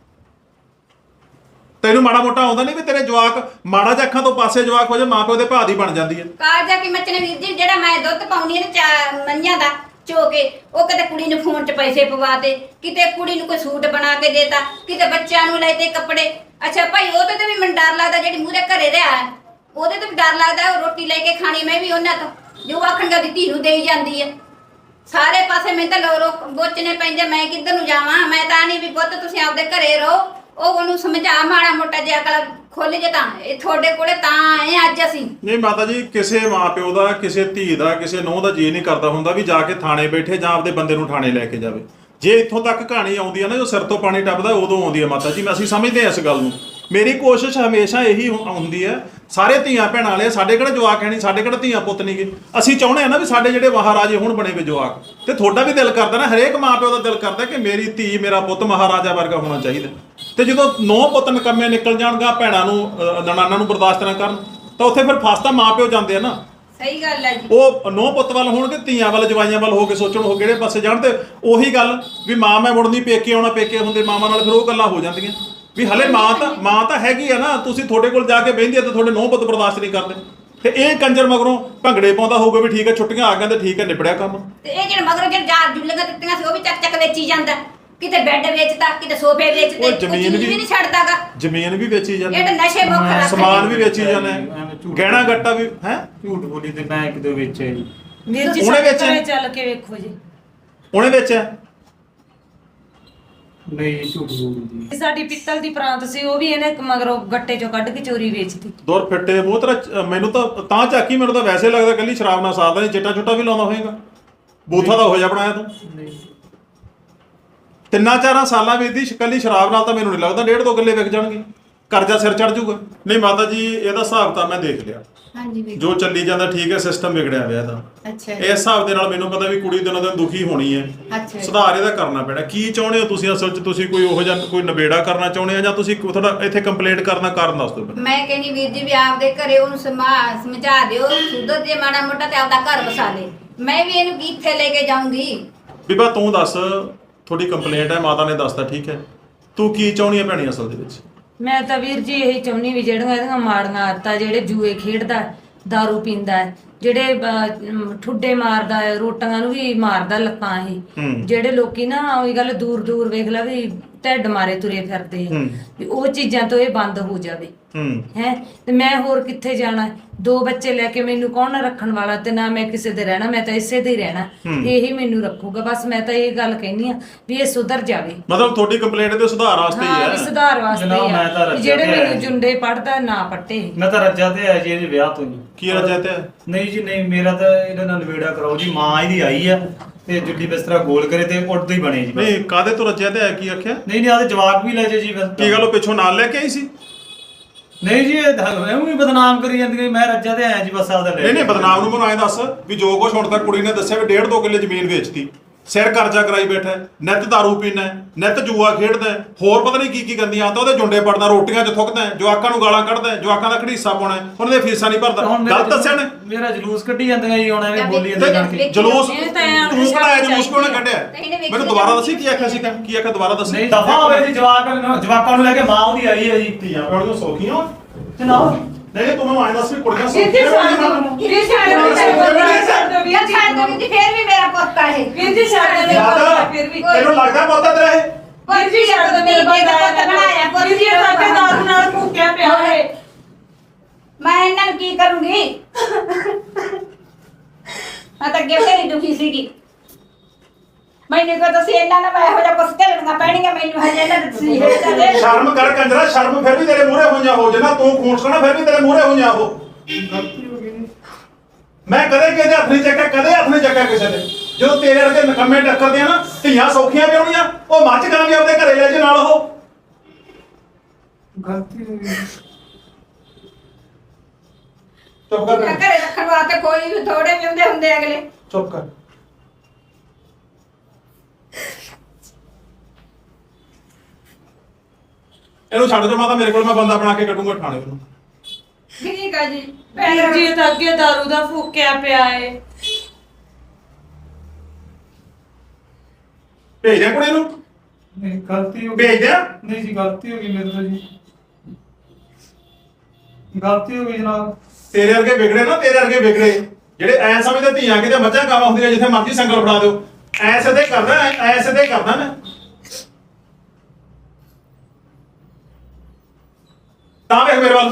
[SPEAKER 2] ਤੈਨੂੰ ਮਾੜਾ ਮੋਟਾ ਆਉਂਦਾ ਨਹੀਂ ਵੀ ਤੇਰੇ ਜਵਾਕ ਮਾੜਾ ਜਿਹਾ ਅੱਖਾਂ ਤੋਂ ਪਾਸੇ ਜਵਾਕ ਹੋ ਜਾ, ਮਾਂ ਪਿਓ ਦੇ ਭਾਅ ਦੀ ਬਣ ਜਾਂਦੀ ਹੈ।
[SPEAKER 1] ਕਾਲਜਾ ਕੀ ਮੱਚਣੇ ਵੀਰ ਜੀ, ਜਿਹੜਾ ਮੈਂ ਦੁੱਧ ਪਾਉਣੀ ਹੈ ਨਾ ਮਈਆਂ ਦਾ ਚੋ ਕੇ, ਉਹ ਕਿਤੇ ਕੁੜੀ ਨੂੰ ਫੋਨ 'ਚ ਪੈਸੇ ਪਵਾਤੇ, ਕਿਤੇ ਕੁੜੀ ਨੂੰ ਕੋਈ ਸੂਟ ਬਣਾ ਕੇ ਦੇਤਾ, ਕਿਤੇ ਬੱਚਿਆਂ ਨੂੰ ਲੈ ਤੇ ਕੱਪੜੇ। ਅੱਛਾ ਭਾਈ ਉਹਦੇ ਤੇ ਵੀ ਮੈਨੂੰ ਡਰ ਲੱਗਦਾ, ਜਿਹੜੀ ਮੂਹਰੇ ਘਰੇ ਰਿਹਾ ਉਹਦੇ ਤੇ ਵੀ ਡਰ ਲੱਗਦਾ, ਉਹ ਰੋਟੀ ਲੈ ਕੇ ਖਾਣੀ ਮੈਂ ਵੀ ਉਹਨਾਂ ਤੋਂ, ਜੋ ਆਖਣਗੇ ਉਹਦੀ ਧੀ ਨੂੰ ਦੇਈ ਜਾਂਦੀ ਹੈ। ਸਾਰੇ ਪਾਸੇ ਮੈਨੂੰ ਤਾਂ ਲੋਕ ਬੋਚਣੇ ਪੈਂਦੇ, ਮੈਂ ਕਿੱਧਰ ਨੂੰ ਜਾਵਾਂ? ਮੈਂ ਤਾਂ ਨਹੀਂ ਵੀ ਪੁੱਤ ਤੁਸੀਂ ਆਪਦੇ ਘਰੇ ਰਹੋ, ਉਹ ਉਹਨੂੰ ਸਮਝਾ ਮਾੜਾ ਮੋਟਾ ਜਿਹਾ ਅਕਲ ਖੁੱਲ ਜੇ ਤਾਂ ਇਹ ਤੁਹਾਡੇ ਕੋਲੇ ਤਾਂ ਆਏ ਅੱਜ ਅਸੀਂ।
[SPEAKER 2] ਨਹੀਂ ਮਾਤਾ ਜੀ, ਕਿਸੇ ਮਾਂ ਪਿਓ ਦਾ, ਕਿਸੇ ਧੀ ਦਾ, ਕਿਸੇ ਨੂੰਹ ਦਾ ਜੀ ਨਹੀਂ ਕਰਦਾ ਹੁੰਦਾ ਵੀ ਜਾ ਕੇ ਥਾਣੇ ਬੈਠੇ ਜਾਂ ਆਪਦੇ ਬੰਦੇ ਨੂੰ ਥਾਣੇ ਲੈ ਕੇ ਜਾਵੇ। ਜੇ ਇੱਥੋਂ ਤੱਕ ਕਹਾਣੀ ਆਉਂਦੀ ਹੈ ਨਾ, ਜੋ ਸਿਰ ਤੋਂ ਪਾਣੀ ਟੱਪਦਾ ਉਦੋਂ ਆਉਂਦੀ ਹੈ ਮਾਤਾ ਜੀ। ਅਸੀਂ ਸਮਝਦੇ ਹਾਂ ਇਸ ਗੱਲ ਨੂੰ। ਮੇਰੀ ਕੋਸ਼ਿਸ਼ ਹਮੇਸ਼ਾ ਇਹੀ ਹੁੰਦੀ ਹੈ, ਸਾਰੇ ਧੀਆਂ ਭੈਣਾਂ ਵਾਲੇ, ਸਾਡੇ ਕਿਹੜਾ ਜਵਾਕ ਹੈ ਨਹੀਂ, ਸਾਡੇ ਕਿਹੜਾ ਧੀਆਂ ਪੁੱਤ ਨਹੀਂਗੇ। ਅਸੀਂ ਚਾਹੁੰਦੇ ਹਾਂ ਨਾ ਵੀ ਸਾਡੇ ਜਿਹੜੇ ਮਹਾਰਾਜੇ ਹੁਣ ਬਣੇ ਵੇ ਜਵਾਕ, ਤੇ ਤੁਹਾਡਾ ਵੀ ਦਿਲ ਕਰਦਾ ਨਾ, ਹਰੇਕ ਮਾਂ ਪਿਓ ਦਾ ਦਿਲ ਕਰਦਾ ਕਿ ਮੇਰੀ ਧੀ, ਮੇਰਾ ਪੁੱਤ ਮਹਾਰਾਜਾ ਵਰਗਾ ਹੋਣਾ ਚਾਹੀਦਾ। ਤੇ ਜਦੋਂ 9 ਪੁੱਤ ਨਕੰਮੇ ਨਿਕਲ ਜਾਣਗਾ, ਭੈਣਾਂ ਨੂੰ ਨਨਾਣਾਂ ਨੂੰ ਬਰਦਾਸ਼ਤ ਨਾ ਕਰਨ, ਤਾਂ ਉੱਥੇ ਫਿਰ ਫਸ ਤਾਂ ਮਾਂ ਪਿਓ ਜਾਂਦੇ ਆ ਨਾ।
[SPEAKER 1] ਸਹੀ ਗੱਲ ਹੈ ਜੀ।
[SPEAKER 2] ਉਹ 9 ਪੁੱਤ ਵੱਲ ਹੋਣਗੇ, ਧੀਆਂ ਵੱਲ, ਜਵਾਈਆਂ ਵੱਲ ਹੋ ਕੇ ਸੋਚਣ ਉਹ ਕਿਹੜੇ ਪਾਸੇ ਜਾਣ। ਤੇ ਉਹੀ ਗੱਲ ਵੀ ਮਾਂ ਮੈਂ ਮੁੜਨੀ, ਪੇਕੇ ਆਉਣਾ, ਪੇਕੇ ਹੁੰਦੇ ਮਾਵਾਂ ਨਾਲ, ਫਿਰ ਉਹ ਗੱਲਾਂ ਹੋ ਜਾਂਦੀਆਂ ਵੀ ਹਲੇ ਮਾਂ ਤਾਂ ਹੈਗੀ ਆ ਨਾ, ਤੁਸੀਂ ਤੁਹਾਡੇ ਕੋਲ ਜਾ ਕੇ ਬਹਿੰਦੀ ਆ ਤੇ ਤੁਹਾਡੇ 9 ਪੁੱਤ ਬਰਦਾਸ਼ਤ ਨਹੀਂ ਕਰਦੇ। ਤੇ ਇਹ ਕੰਜਰ ਮਗਰੋਂ ਭੰਗੜੇ ਪਾਉਂਦਾ ਹੋਊਗਾ ਵੀ ਠੀਕ ਹੈ ਛੁੱਟੀਆਂ ਆ ਗਈਆਂ ਤੇ ਠੀਕ ਹੈ ਨਿਬੜਿਆ ਕੰਮ।
[SPEAKER 1] ਤੇ ਇਹ ਜਿਹੜੇ ਮਗਰੋਂ ਜਿਹੜੇ ਜਾਰ ਜੁੱਲੀਆਂ ਦਿੱਤੀਆਂ ਸੀ ਉਹ ਵੀ ਚੱਕ ਵੇਚੀ ਜਾਂਦਾ, ਕਿਤੇ ਬੈੱਡ ਵੇਚਦਾ, ਕਿਤੇ ਸੋਫੇ ਵੇਚਦੇ,
[SPEAKER 2] ਜ਼ਮੀਨ ਵੀ
[SPEAKER 1] ਨਹੀਂ ਛੱਡਦਾਗਾ,
[SPEAKER 2] ਜ਼ਮੀਨ ਵੀ ਵੇਚੀ ਜਾਂਦੇ,
[SPEAKER 1] ਇਹ ਤਾਂ ਨਸ਼ੇ ਮੁੱਖ ਰੱਖਦੇ,
[SPEAKER 2] ਸਮਾਨ ਵੀ ਵੇਚੀ ਜਾਂਦੇ, ਗਹਿਣਾ ਗੱਟਾ ਵੀ ਹੈ।
[SPEAKER 3] ਝੂਠ ਬੋਲੀ ਤੇ ਮੈਂ ਇੱਕ ਦੋ ਵੇਚਿਆ ਜੀ।
[SPEAKER 4] ਵੀਰ ਜੀ
[SPEAKER 2] ਉਹਨੇ
[SPEAKER 4] ਸਾਡੇ
[SPEAKER 2] ਵੇਚਿਆ?
[SPEAKER 4] ਘਰੇ ਚੱਲ ਕੇ ਵੇਖੋ ਜੀ।
[SPEAKER 2] ਉਹਨੇ ਵੇਚਿਆ?
[SPEAKER 3] ਨਹੀਂ ਝੂਠ ਬੋਲੀ ਜੀ।
[SPEAKER 4] ਸਾਡੀ ਪਿੱਤਲ ਦੀ ਪ੍ਰਾਂਤ ਸੀ, ਉਹ ਵੀ ਇਹਨੇ ਮਗਰੋਂ ਗੱਟੇ ਚੋਂ ਕੱਢ ਕੇ ਚੋਰੀ ਵੇਚਤੀ।
[SPEAKER 2] ਦੌਰ ਫਿੱਟੇ ਮੂੰਹ ਤੇਰਾ, ਮੈਨੂੰ ਤਾਂ ਝਾਕੀ, ਮੈਨੂੰ ਤਾਂ ਵੈਸੇ ਲੱਗਦਾ ਕੱਲੀ ਸ਼ਰਾਬ ਨਾਲ ਸਾਰਦਾ ਨਹੀਂ, ਚਿੱਟਾ ਚੁੱਟਾ ਵੀ ਲਾਉਂਦਾ ਹੋਏਗਾ। ਬੂਥਾ ਦਾ ਹੋ ਜਾ ਬਣਾਇਆ ਤੂੰ।
[SPEAKER 3] ਨਹੀਂ
[SPEAKER 2] 3-4 ਸਾਲਾਂ ਵਿੱਚ ਦੀ ਕੱਲੀ ਸ਼ਰਾਬ ਨਾਲ ਤਾਂ ਮੈਨੂੰ ਨਹੀਂ ਲੱਗਦਾ 1.5-2 ਕਿੱਲੇ ਵਿਕ ਜਾਣਗੇ, ਕਰਜ਼ਾ ਸਿਰ ਚੜ ਜਾਊਗਾ। ਨਹੀਂ ਮਾਤਾ ਜੀ, ਇਹਦਾ ਹਿਸਾਬ ਤਾਂ ਮੈਂ ਦੇਖ ਲਿਆ,
[SPEAKER 1] ਹਾਂਜੀ ਵੀ
[SPEAKER 2] ਜੋ ਚੱਲੀ ਜਾਂਦਾ ਠੀਕ ਹੈ, ਸਿਸਟਮ ਵਿਗੜਿਆ ਹੋਇਆ ਇਹਦਾ।
[SPEAKER 1] ਅੱਛਾ
[SPEAKER 2] ਇਸ ਹਿਸਾਬ ਦੇ ਨਾਲ ਮੈਨੂੰ ਪਤਾ ਵੀ ਕੁੜੀ ਦਿਨੋਂ ਦਿਨ ਦੁਖੀ ਹੋਣੀ ਹੈ।
[SPEAKER 1] ਅੱਛਾ
[SPEAKER 2] ਸੁਧਾਰ ਇਹਦਾ ਕਰਨਾ ਪੈਣਾ। ਕੀ ਚਾਹੁੰਦੇ ਹੋ ਤੁਸੀਂ ਅਸਲ 'ਚ? ਤੁਸੀਂ ਕੋਈ ਉਹੋ ਜਿਹਾ ਕੋਈ ਨਿਬੇੜਾ ਕਰਨਾ ਚਾਹੁੰਦੇ ਆ ਜਾਂ ਤੁਸੀਂ ਤੁਹਾਡਾ ਇੱਥੇ ਕੰਪਲੇਂਟ ਕਰਨਾ ਕਾਰਨ ਦੱਸ ਦਿਓ।
[SPEAKER 1] ਮੈਂ ਕਹਿੰਦੀ ਵੀਰ ਜੀ ਵੀ ਆਪਦੇ ਘਰੇ ਉਹਨੂੰ ਸਮਝਾ ਦਿਓ, ਸੁਧਰ ਜੇ ਮਾੜਾ ਮੋਟਾ ਤੇ ਆਪਦਾ ਘਰ ਵਸਾ ਲੈ। ਮੈਂ ਵੀ ਇਹਨੂੰ ਕਿੱਥੇ ਲੈ ਕੇ ਜਾਊਂਗੀ?
[SPEAKER 2] ਬੀਬਾ ਤੂੰ ਦੱਸ, ਤੁਹਾਡੀ ਕੰਪਲੇਂਟ ਹੈ, ਮਾਤਾ ਨੇ ਦੱਸਤਾ ਠੀਕ ਹੈ, ਤੂੰ ਕੀ ਚਾਹੁੰਦੀ ਹੈ ਭੈਣੀ ਅਸਲ ਦੇ ਵਿੱਚ?
[SPEAKER 4] ਮੈਂ ਤਾਂ ਵੀਰ ਜੀ ਇਹੀ ਚਾਹੁੰਦੀ ਵੀ ਜਿਹੜੀਆਂ ਇਹਦੀਆਂ ਮਾੜੀਆਂ ਆਦਤਾਂ, ਜਿਹੜੇ ਜੂਏ ਖੇਡਦਾ, ਦਾਰੂ ਪੀਂਦਾ ਹੈ, ਜਿਹੜੇ ਠੁੱਡੇ ਮਾਰਦਾ ਹੈ, ਰੋਟੀਆਂ ਨੂੰ ਵੀ ਮਾਰਦਾ ਲੱਤਾਂ ਇਹ, ਜਿਹੜੇ ਲੋਕੀ ਨਾ ਉਹੀ ਗੱਲ ਦੂਰ ਦੂਰ ਵੇਖ ਲਾ ਵੀ ਢਿੱਡ ਮਾਰੇ ਤੁਰੇ ਫਿਰਦੇ ਆ, ਵੀ ਉਹ ਚੀਜ਼ਾਂ ਤੋਂ ਇਹ ਬੰਦ ਹੋ ਜਾਵੇ। ਹੈ ਤੇ ਮੈਂ ਹੋਰ ਕਿੱਥੇ ਜਾਣਾ? 2 ਬੱਚੇ ਲੈ ਕੇ ਮੈਨੂੰ ਕੌਣ ਰੱਖਣ ਵਾਲਾ, ਤੇ ਨਾ ਮੈਂ ਕਿਸੇ ਦੇ ਰਹਿਣਾ, ਮੈਂ ਤਾਂ ਇਸੇ ਦੇ ਹੀ ਰਹਿਣਾ, ਇਹੀ ਮੈਨੂੰ ਰੱਖੂਗਾ। ਬਸ ਮੈਂ ਤਾਂ ਇਹ ਗੱਲ ਕਹਿੰਦੀ ਆ ਵੀ ਇਹ ਸੁਧਰ ਜਾਵੇ।
[SPEAKER 2] ਮਤਲਬ ਤੁਹਾਡੀ ਕੰਪਲੇਂਟ ਦੇ ਸੁਧਾਰ ਵਾਸਤੇ ਹੀ
[SPEAKER 4] ਹਾਂ, ਵੀ
[SPEAKER 2] ਹੈ?
[SPEAKER 4] ਸੁਧਾਰ ਵਾਸਤੇ
[SPEAKER 3] ਜਨਾਬ, ਮੈਂ ਤਾਂ
[SPEAKER 4] ਆ,
[SPEAKER 3] ਰੱਜਿਆ
[SPEAKER 4] ਜਿਹੜੇ
[SPEAKER 3] ਤੇ
[SPEAKER 4] ਮੈਨੂੰ ਜੁੰਡੇ ਪੜਦਾ ਨਾ ਪੱਟੇ।
[SPEAKER 3] ਮੈਂ ਤਾਂ ਰੱਜਾ ਤੇ ਆਇਆ ਜੀ ਇਹਦੇ ਵਿਆਹ ਤੋਂ ਜੀ।
[SPEAKER 2] ਕੀ ਰਜਾ ਤੇ?
[SPEAKER 3] ਨਹੀਂ ਜੀ ਨਹੀਂ, ਮੇਰਾ ਤਾਂ ਇਹਦੇ ਨਾਲ ਨਿਬੇੜਾ ਕਰਾਓ ਜੀ। ਮਾਂ ਇਹਦੀ ਆਈ ਆ, ਤੇ ਜੁੱਲੀ ਬਿਸਤਰਾ ਗੋਲ ਕਰੇ ਤੇ ਉੱਡਦੇ ਹੀ ਬਣੇ ਜੀ ਬਸ।
[SPEAKER 2] ਨਹੀਂ ਕਾਦੇ ਤੋਂ ਰੱਜਿਆ ਤੇ ਹੈ ਕੀ ਆਖਿਆ?
[SPEAKER 3] ਨਹੀਂ ਆਦੇ ਜਵਾਕ ਵੀ ਲੈ ਜੇ ਜੀ ਬਸ।
[SPEAKER 2] ਕੀ ਗੱਲ ਉਹ ਪਿੱਛੋਂ ਨਾਲ ਲੈ ਕੇ ਆਈ ਸੀ?
[SPEAKER 3] ਨਹੀਂ ਜੀ ਐਵੇਂ ਹੀ ਬਦਨਾਮ ਕਰੀ ਜਾਂਦੀ ਮੈਂ ਰੱਜਾ ਤੇ ਆਇਆ ਜੀ ਬਸ ਆਪਦਾ ਲੈ
[SPEAKER 2] ਨਹੀਂ ਨਹੀਂ ਬਦਨਾਮ ਨੂੰ ਮੈਨੂੰ ਐਂ ਦੱਸ ਵੀ ਜੋ ਕੁਛ ਹੁਣ ਤੱਕ ਕੁੜੀ ਨੇ ਦੱਸਿਆ ਵੀ 1.5-2 ਕਿੱਲੇ ਜ਼ਮੀਨ ਵੇਚਤੀ, ਸਿਰ ਕਰਜ਼ਾ ਕਰਾਈ ਬੈਠਾ, ਨਿੱਤ ਦਾਰੂ ਪੀਣਾ, ਨਿੱਤ ਜੂਆ ਖੇਡਦਾ, ਹੋਰ ਪਤਾ ਨਹੀਂ ਕੀ ਕੀ ਗੰਦੀਆਂ ਆਦਤਾਂ, ਉਹਦੇ ਜੁੰਡੇ ਪੜਦਾ, ਰੋਟੀਆਂ 'ਚ ਥੁੱਕਦਾ, ਜਵਾਕਾਂ ਨੂੰ ਗਾਲਾਂ ਕੱਢਦਾ, ਜਵਾਕਾਂ ਦਾ ਘੜੀਸਾ ਪਾਉਣਾ, ਉਹਨਾਂ ਦੀਆਂ ਫੀਸਾਂ ਨਹੀਂ ਭਰਦਾ। ਗਲਤ ਦੱਸਿਆ ਨੇ?
[SPEAKER 3] ਮੇਰਾ ਜਲੂਸ ਕੱਢੀ ਜਾਂਦੀਆਂ ਜੀ ਹੁਣ ਐਵੇਂ ਬੋਲੀ ਜਾਂਦੇ ਜਾਣ ਕੇ।
[SPEAKER 2] ਜਲੂਸ
[SPEAKER 4] ਇਹ ਤਾਂ ਐਂ
[SPEAKER 2] ਤੂੰ ਕਢਾਇਆ, ਜਲੂਸ ਕਿਉਂ ਨਾ
[SPEAKER 1] ਤੇ
[SPEAKER 2] ਕੱਢਿਆ?
[SPEAKER 1] ਇਹਨੇ ਵੇਖੀ
[SPEAKER 2] ਮੈਨੂੰ ਦੁਬਾਰਾ ਦੱਸੀ ਕੀ ਆਖਿਆ ਸੀ? ਕੀ ਆਖਿਆ ਦੁਬਾਰਾ ਦੱਸੀ?
[SPEAKER 3] ਨਹੀਂ ਦਫਾ ਹੋਵੇ ਜੀ, ਜਵਾਕਾਂ ਨੂੰ ਲੈ ਕੇ ਮਾਂ ਉਹਦੀ ਆਈ ਹੈ ਜੀ।
[SPEAKER 2] ਧੀਆਂ ਪਿਓ ਦੀਆਂ ਸੌਖੀਆਂ
[SPEAKER 3] ਜਨਾਬ
[SPEAKER 2] ਨਹੀਂ ਤੂੰ ਮੈਨੂੰ ਐਂ ਦੱਸ ਵੀ ਕੁੜੀਆਂ
[SPEAKER 4] ਵੀਰ ਜੀ ਛੱਡ ਦਿਓ, ਵੀਰ ਜੀ ਛੱਡ ਦਿਓ, ਛੱਡ ਦਿਓ ਵੀਰ ਜੀ,
[SPEAKER 1] ਛੱਡ ਦੋ ਜੀ, ਫੇਰ ਵੀ ਮੇਰਾ ਪੁੱਤ ਆ ਇਹ।
[SPEAKER 4] ਵੀਰ ਜੀ ਛੱਡ ਦਿਓ ਮੇਰਾ ਪੁੱਤ ਫਿਰ ਵੀ।
[SPEAKER 2] ਤੈਨੂੰ ਲੱਗਦਾ ਪੋਤਾ ਤੇਰਾ ਇਹ?
[SPEAKER 4] ਵੀਰ ਜੀ ਛੱਡ ਦਿਓ ਮੇਰਾ ਪੁੱਤ ਬਣਾਇਆ, ਵੀਰ ਜੀ ਸਾਡੇ ਦਾਰੂ ਨਾਲ ਭੁੱਕਿਆ ਪਿਆ ਹੈ।
[SPEAKER 1] ਮੈਂ ਇਹਨਾਂ ਨੂੰ ਕੀ ਕਰੂੰਗੀ? ਮੈਂ ਤਾਂ ਅੱਗੇ ਬਥੇਰੀ ਦੁਖੀ ਸੀਗੀ। ਮੈਨੂੰ ਕੋ ਤੁਸੀਂ ਇਹਨਾਂ ਨਾਲ ਮੈਂ ਇਹੋ ਜਿਹਾ ਕੁਛ ਝੱਲਣੀਆਂ ਪੈਣੀਆਂ, ਮੈਨੂੰ ਹਜੇ ਇਹਨਾਂ ਦੇ ਤੁਸੀਂ ਦੇ
[SPEAKER 2] ਸ਼ਰਮ ਕਰ ਕੰਜਰਾ, ਸ਼ਰਮ ਫਿਰ ਵੀ ਤੇਰੇ ਮੂਹਰੇ ਹੋਈਆਂ ਹੋ, ਜਿੰਨਾ ਤੂੰ ਖੂਨ ਸੋਣਾ ਫਿਰ ਵੀ ਤੇਰੇ ਮੂਹਰੇ ਹੋਈਆਂ ਹੋ। ਮੈਂ ਕਦੇ ਕਿਸੇ ਹੱਥ ਨਹੀਂ ਚੱਕਿਆ, ਕਦੇ ਹੱਥ ਨਹੀਂ ਚੱਕਿਆ ਕਿਸੇ ਦੇ। ਜਦੋਂ ਤੇਰੇ ਵਰਗੇ ਨਕੰਮੇ ਟੱਕਰਦੇ ਆ ਨਾ, ਧੀਆਂ ਸੌਖੀਆਂ ਵੀ ਆਉਣੀਆਂ, ਉਹ ਮੱਝ ਗਾਂ ਵੀ ਆਪਦੇ ਘਰੇ ਲੈ ਜੇ ਨਾਲ ਉਹ।
[SPEAKER 3] ਗਲਤੀ ਹੋ ਗਈ।
[SPEAKER 2] ਚੁੱਪ ਕਰ ਬੇਟਾ,
[SPEAKER 1] ਘਰੇ ਰੱਖਣ ਵਾਸਤੇ ਕੋਈ ਵੀ ਥੋੜੇ ਵੀ ਹੁੰਦੇ ਹੁੰਦੇ ਅਗਲੇ।
[SPEAKER 2] ਚੁੱਪ ਕਰ। ਇਹਨੂੰ ਛੱਡ ਦਿਓ ਮਾਤਾ, ਮੇਰੇ ਕੋਲ ਮੈਂ ਬੰਦਾ ਬਣਾ ਕੇ ਕੱਢੂੰਗਾ ਥਾਣੇ ਨੂੰ।
[SPEAKER 1] ਠੀਕ ਆ ਜੀ।
[SPEAKER 4] ਵੀਰ ਜੀ ਤਾਂ ਅੱਗੇ ਦਾਰੂ ਦਾ ਫੂਕਿਆ ਪਿਆ ਏ।
[SPEAKER 2] ਭੇਜ ਦਿਆਂ ਕੁੜੀ ਨੂੰ?
[SPEAKER 3] ਨਹੀਂ ਗਲਤੀ ਹੋ ਗਈ।
[SPEAKER 2] ਭੇਜ ਦਿਆਂ?
[SPEAKER 3] ਨਹੀਂ ਜੀ ਗਲਤੀ ਹੋ ਗਈ ਮੇਰੇ ਤੋਂ ਜੀ, ਗਲਤੀ ਹੋ ਗਈ ਜਨਾਬ।
[SPEAKER 2] ਤੇਰੇ ਵਰਗੇ ਵਿਗੜੇ ਨਾ, ਤੇਰੇ ਵਰਗੇ ਵਿਗੜੇ ਜਿਹੜੇ ਐ ਸਮਝਦੇ ਧੀਆਂ ਕਿਤੇ ਮੱਝਾਂ ਗਾਵਾਂ ਹੁੰਦੀਆਂ, ਜਿੱਥੇ ਮਰਜ਼ੀ ਸੰਗਲ ਫੜਾ ਦਿਓ। ਐਸੇ ਤੇ ਕਰਦਾ, ਐਸੇ ਤੇ ਕਰਦਾ ਮੈਂ। ਤਾਂ ਵੇਖ ਮੇਰੇ ਵੱਲ।